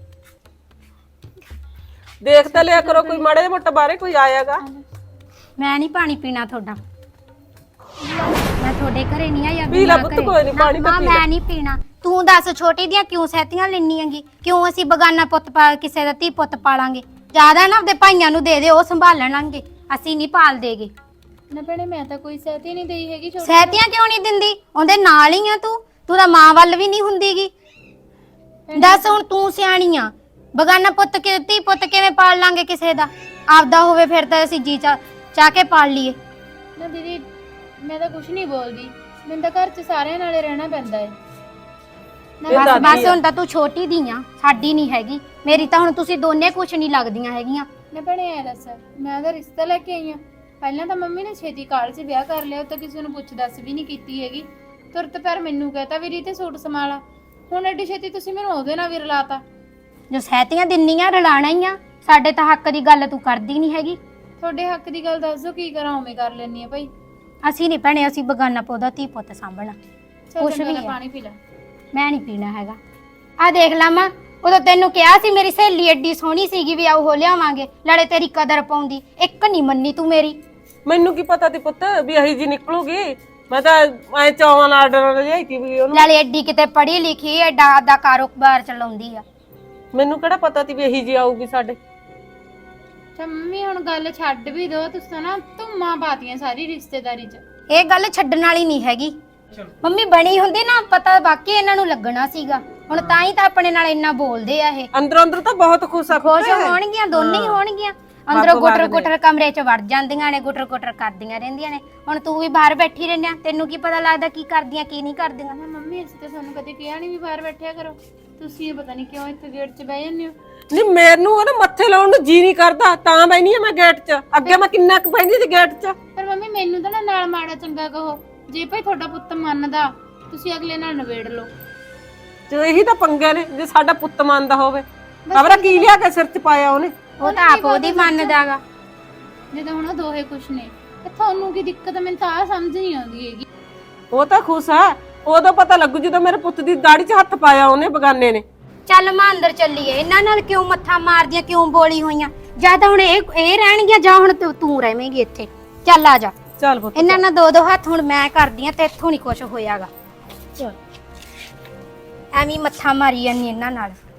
Speaker 1: ਦੇਖ ਤਾਂ ਲਿਆ ਕਰੋ, ਕੋਈ ਮਾੜੇ ਮੋਟਾ ਬਾਰੇ ਕੋਈ ਆਇਆਗਾ।
Speaker 7: ਮੈਂ ਨਹੀਂ ਪਾਣੀ ਪੀਣਾ ਤੁਹਾਡਾ, ਮੈਂ ਤੁਹਾਡੇ ਘਰੇ ਨਹੀਂ ਆਈ।
Speaker 1: ਪੀ ਲੈ ਪੁੱਤ, ਕੋਈ ਨਹੀਂ ਪਾਣੀ ਤਾਂ ਪੀ ਲੈ।
Speaker 7: ਮੈਂ ਨਹੀਂ ਪੀਣਾ। ਤੂੰ ਦੱਸ ਛੋਟੀ ਦੀਆਂ ਕਿਉਂ ਸਹਿਤੀਆਂ ਲੈਣੀਆਂਗੀ? ਕਿਉਂ ਅਸੀਂ ਬਗਾਨਾ ਪੁੱਤ ਪਾ ਕਿਸੇ ਦਾ ਧੀ ਪੁੱਤ ਪਾਲਾਂਗੇ? ਜ਼ਿਆਦਾ ਨਾ ਆਪਦੇ ਭਾਈਆਂ ਨੂੰ ਦੇ ਦੇ, ਉਹ ਸੰਭਾਲਣਗੇ, ਅਸੀਂ ਨਹੀਂ ਪਾਲ ਦੇਗੇ।
Speaker 2: ਨਾ ਭੈਣੇ ਮੈਂ ਤਾਂ ਕੋਈ ਸਹਿਤੀ ਨਹੀਂ ਦੇਈ ਹੈਗੀ।
Speaker 7: ਸਹਿਤੀਆਂ ਕਿਉਂ ਨਹੀਂ ਦਿੰਦੀ? ਉਹਦੇ ਨਾਲ ਹੀ ਆ ਤੂੰ ਤਾਂ ਮਾਂ ਵੱਲ ਵੀ ਨਹੀਂ ਹੁੰਦੀਗੀ। ਦੱਸ ਹੁਣ ਤੂੰ ਸਿਆਣੀ ਆ, ਬਗਾਨਾ ਪੁੱਤ ਕਿ ਧੀ ਪੁੱਤ ਕਿਵੇਂ ਪਾਲ ਲਾਂਗੇ ਕਿਸੇ ਦਾ? ਆਪਦਾ ਹੋਵੇ ਫਿਰ ਤਾਂ ਅਸੀਂ ਜੀ ਚਾਹ ਕੇ ਪਾਲ ਲਈਏ।
Speaker 2: ਨਾ ਦੀਦੀ ਮੈਂ ਤਾਂ ਕੁਝ ਨਹੀਂ ਬੋਲਦੀ, ਮੈਨੂੰ ਤਾਂ ਘਰ 'ਚ ਸਾਰਿਆਂ ਨਾਲੇ ਰਹਿਣਾ ਪੈਂਦਾ ਹੈ।
Speaker 7: ਬਸ ਹੁਣ ਤਾਂ ਤੂੰ ਛੋਟੀ ਦੀ ਆ, ਸਾਡੀ ਨਹੀਂ ਹੈਗੀ। ਮੇਰੀ ਤਾਂ ਹੁਣ ਤੁਸੀਂ ਦੋਨੇ ਕੁਛ ਨਹੀਂ ਲੱਗਦੀਆਂ ਹੈਗੀਆਂ।
Speaker 2: ਨਾ ਭੈਣੇ ਐ ਦੱਸ, ਮੈਂ ਤਾਂ ਰਿਸ਼ਤਾ ਲੈ ਕੇ ਆਈ ਆ। ਪਹਿਲਾਂ ਤਾਂ ਮੰਮੀ ਨੇ ਛੇਤੀ ਕਾਲ 'ਚ ਵਿਆਹ ਕਰ ਲਿਆ, ਉਹ ਤਾਂ ਕਿਸੇ ਨੂੰ ਪੁੱਛ ਦੱਸ ਵੀ ਨਹੀਂ ਕੀਤੀ ਹੈਗੀ। ਤੁਰਤ ਪਰ ਮੈਨੂੰ ਕਹਤਾ ਵੀ ਰੀਤੇ ਸੂਟ ਸਮਾਲਾ। ਹੁਣ ਐਡੀ ਛੇਤੀ ਤੁਸੀਂ ਮੈਨੂੰ ਉਹਦੇ ਨਾਲ ਵੀ ਰਲਾਤਾ।
Speaker 7: ਜੋ ਸਹਿਤੀਆਂ ਦਿੰਨੀਆਂ ਰਲਾਣਾ ਹੀ ਆ, ਸਾਡੇ ਤਾਂ ਹੱਕ ਦੀ ਗੱਲ ਤੂੰ ਕਰਦੀ ਨਹੀਂ ਹੈਗੀ।
Speaker 2: ਤੁਹਾਡੇ ਹੱਕ ਦੀ ਗੱਲ ਦੱਸ ਦਿਓ, ਕੀ ਕਰਾਂ ਉਵੇਂ ਕਰ ਲੈਣੀ ਆ ਭਾਈ।
Speaker 7: ਅਸੀਂ ਨਹੀਂ ਭੈਣੇ, ਅਸੀਂ ਬਗਾਨਾ ਪੌਦਾ ਧੀ ਪੁੱਤ ਸਾਂਭਣਾ। ਕੁਛ ਵੀ ਆ।
Speaker 2: ਪਾਣੀ ਪੀ ਲੈ।
Speaker 7: ਮੈਂ ਨਹੀਂ ਪੀਣਾ ਹੈਗਾ। ਆ ਦੇਖ ਲਾ ਮਾਂ, ਉਦੋਂ ਤੈਨੂੰ ਕਿਹਾ ਸੀ ਮੇਰੀ ਸਹੇਲੀ ਐਡੀ ਸੋਹਣੀ ਸੀਗੀ ਵੀ ਆਓ ਲਿਆਵਾਂਗੇ, ਲੜੇ ਤੇਰੀ ਕਦਰ ਪਾਉਂਦੀ, ਇੱਕ ਨਹੀਂ ਮੰਨੀ ਤੂੰ ਮੇਰੀ।
Speaker 1: ਮੈਨੂੰ ਕੀ ਪਤਾ ਤੀ ਪੁੱਤ ਵੀ ਇਹੀ ਜੀ ਨਿਕਲੂਗੀ। ਮੈਂ ਤਾਂ ਐ ਚੌਵਾਂ ਨਾਲ ਆਰਡਰ ਲਿਆਈ ਤੀ ਵੀ ਉਹਨੂੰ।
Speaker 7: ਨਾਲੇ ਐਡੀ ਕਿਤੇ ਪੜ੍ਹੀ ਲਿਖੀ, ਐਡਾ ਆਦਾ ਕਾਰੋਬਾਰ ਚਲਾਉਂਦੀ ਆ।
Speaker 1: ਮੈਨੂੰ ਕਿਹੜਾ ਪਤਾ ਤੀ ਵੀ ਇਹੀ ਜੀ ਆਊਗੀ ਸਾਡੇ।
Speaker 2: ਤਾਂ ਮੰਮੀ ਹੁਣ ਗੱਲ ਛੱਡ ਵੀ ਦੋ, ਤੁਸੀਂ ਨਾ ਧੁੰਮਾਂ ਪਾਤੀਆਂ ਸਾਰੀ ਰਿਸ਼ਤੇਦਾਰੀ 'ਚ।
Speaker 7: ਇਹ ਗੱਲ ਛੱਡਣ ਵਾਲੀ ਨਹੀਂ ਹੈਗੀ। ਮੰਮੀ ਬਣੀ ਹੁੰਦੀ ਨਾ, ਪਤਾ ਬਾਕੀ ਇਹਨਾਂ ਨੂੰ ਲੱਗਣਾ ਸੀਗਾ। ਹੁਣ ਤਾਂ ਹੀ ਤਾਂ ਆਪਣੇ ਨਾਲ ਇੰਨਾ ਬੋਲਦੇ ਆ ਇਹ।
Speaker 1: ਅੰਦਰੋਂ ਅੰਦਰ ਤਾਂ ਬਹੁਤ ਖੁਸ਼ ਆ।
Speaker 7: ਖੁਸ਼ ਹੋਣਗੀਆਂ, ਦੋਨੇ ਹੀ ਹੋਣਗੀਆਂ। ਅੰਦਰੋਂ ਗੁਟਰ ਗੁਟਰ ਕਮਰੇ 'ਚ ਵੜ ਜਾਂਦੀਆਂ ਨੇ, ਗੁਟਰ ਗੁਟਰ ਕਰਦੀਆਂ ਰਹਿੰਦੀਆਂ ਨੇ। ਹੁਣ ਤੂੰ ਵੀ ਬਾਹਰ ਬੈਠੀ ਰਹਿੰਦੀ ਆ, ਤੈਨੂੰ ਕੀ ਪਤਾ ਲੱਗਦਾ ਕੀ ਕਰਦੀਆਂ ਕੀ ਨਹੀਂ ਕਰਦੀਆਂ।
Speaker 2: ਮੰਮੀ ਅਸੀਂ ਤਾਂ ਤੁਹਾਨੂੰ ਕਦੇ ਕਿਹਾ ਨਹੀਂ ਵੀ ਬਾਹਰ ਬੈਠਿਆ ਕਰੋ, ਤੁਸੀਂ ਇਹ ਪਤਾ ਨਹੀਂ ਕਿਉਂ ਇੱਥੇ ਗੇਟ 'ਚ ਬਹਿ ਜਾਂਦੇ ਹੋ।
Speaker 1: ਨਹੀਂ ਮੈਨੂੰ ਉਹ ਨਾ ਮੱਥੇ ਲਾਉਣ ਨੂੰ ਜੀ ਨਹੀਂ ਕਰਦਾ ਤਾਂ ਬੈਣੀ ਆ ਮੈਂ ਗੇਟ 'ਚ। ਅੱਗੇ ਮੈਂ ਕਿੰਨਾ ਕੁ ਬੈਂਦੀ ਸੀ ਗੇਟ 'ਚ।
Speaker 2: ਪਰ ਮੰਮੀ ਮੈਨੂੰ ਤਾਂ ਨਾ ਨਾਲ ਮਾੜਾ ਚੰਗਾ ਕਹੋ, ਜੇ ਭਾਈ ਤੁਹਾਡਾ ਪੁੱਤ ਮੰਨਦਾ ਤੁਸੀਂ ਅਗਲੇ ਨਾਲ ਨਿਬੇੜ ਲਓ।
Speaker 1: ਤੇ ਇਹੀ ਤਾਂ ਪੰਗੇ ਨੇ ਜੇ ਸਾਡਾ ਪੁੱਤ ਮੰਨਦਾ ਹੋਵੇ। ਖਬਰਾਂ ਕੀ ਲਿਆ ਕੇ ਸਿਰ 'ਚ ਪਾਇਆ ਉਹਨੇ।
Speaker 7: ਉਹ ਤਾਂ ਆਪ ਉਹਦੀ ਮੰਨਦਾਗਾ।
Speaker 2: ਜਦੋਂ ਹੁਣ ਉਹ ਦੋਹੇ ਖੁਸ਼ ਨੇ ਤੇ ਤੁਹਾਨੂੰ ਕੀ ਦਿੱਕਤ? ਮੈਨੂੰ ਤਾਂ ਆ ਸਮਝ ਨਹੀਂ ਆਉਂਦੀ ਹੈਗੀ।
Speaker 1: ਉਹ ਤਾਂ ਖੁਸ਼ ਆ, ਉਦੋਂ ਪਤਾ ਲੱਗੂ ਜਦੋਂ ਮੇਰੇ ਪੁੱਤ ਦੀ ਦਾੜੀ 'ਚ ਹੱਥ ਪਾਇਆ ਉਹਨੇ ਬਗਾਨੇ ਨੇ।
Speaker 7: ਚੱਲ ਮਾਂ ਅੰਦਰ ਚੱਲੀਏ, ਇਹਨਾਂ ਨਾਲ ਕਿਉਂ ਮੱਥਾ ਮਾਰਦੀਆਂ, ਕਿਉਂ ਬੋਲੀ ਹੋਈਆਂ? ਜਾਂ ਤਾਂ ਹੁਣ ਇਹ ਰਹਿਣਗੀਆਂ ਜਾਂ ਹੁਣ ਤੂੰ ਰਹਵੇਂਗੀ ਇੱਥੇ। ਚੱਲ ਆ ਜਾ,
Speaker 1: ਚੱਲ ਪੁੱਤ
Speaker 7: ਇਹਨਾਂ ਨਾਲ ਦੋ ਦੋ ਹੱਥ ਹੁਣ ਮੈਂ ਕਰਦੀ ਆ ਤੇ ਇੱਥੋਂ ਨਹੀਂ ਕੁਝ ਹੋਇਆਗਾ।
Speaker 1: ਚੱਲ।
Speaker 7: ਐਵੇਂ ਮੱਥਾ ਮਾਰੀ ਜਾਂਦੀ ਇਹਨਾਂ ਨਾਲ।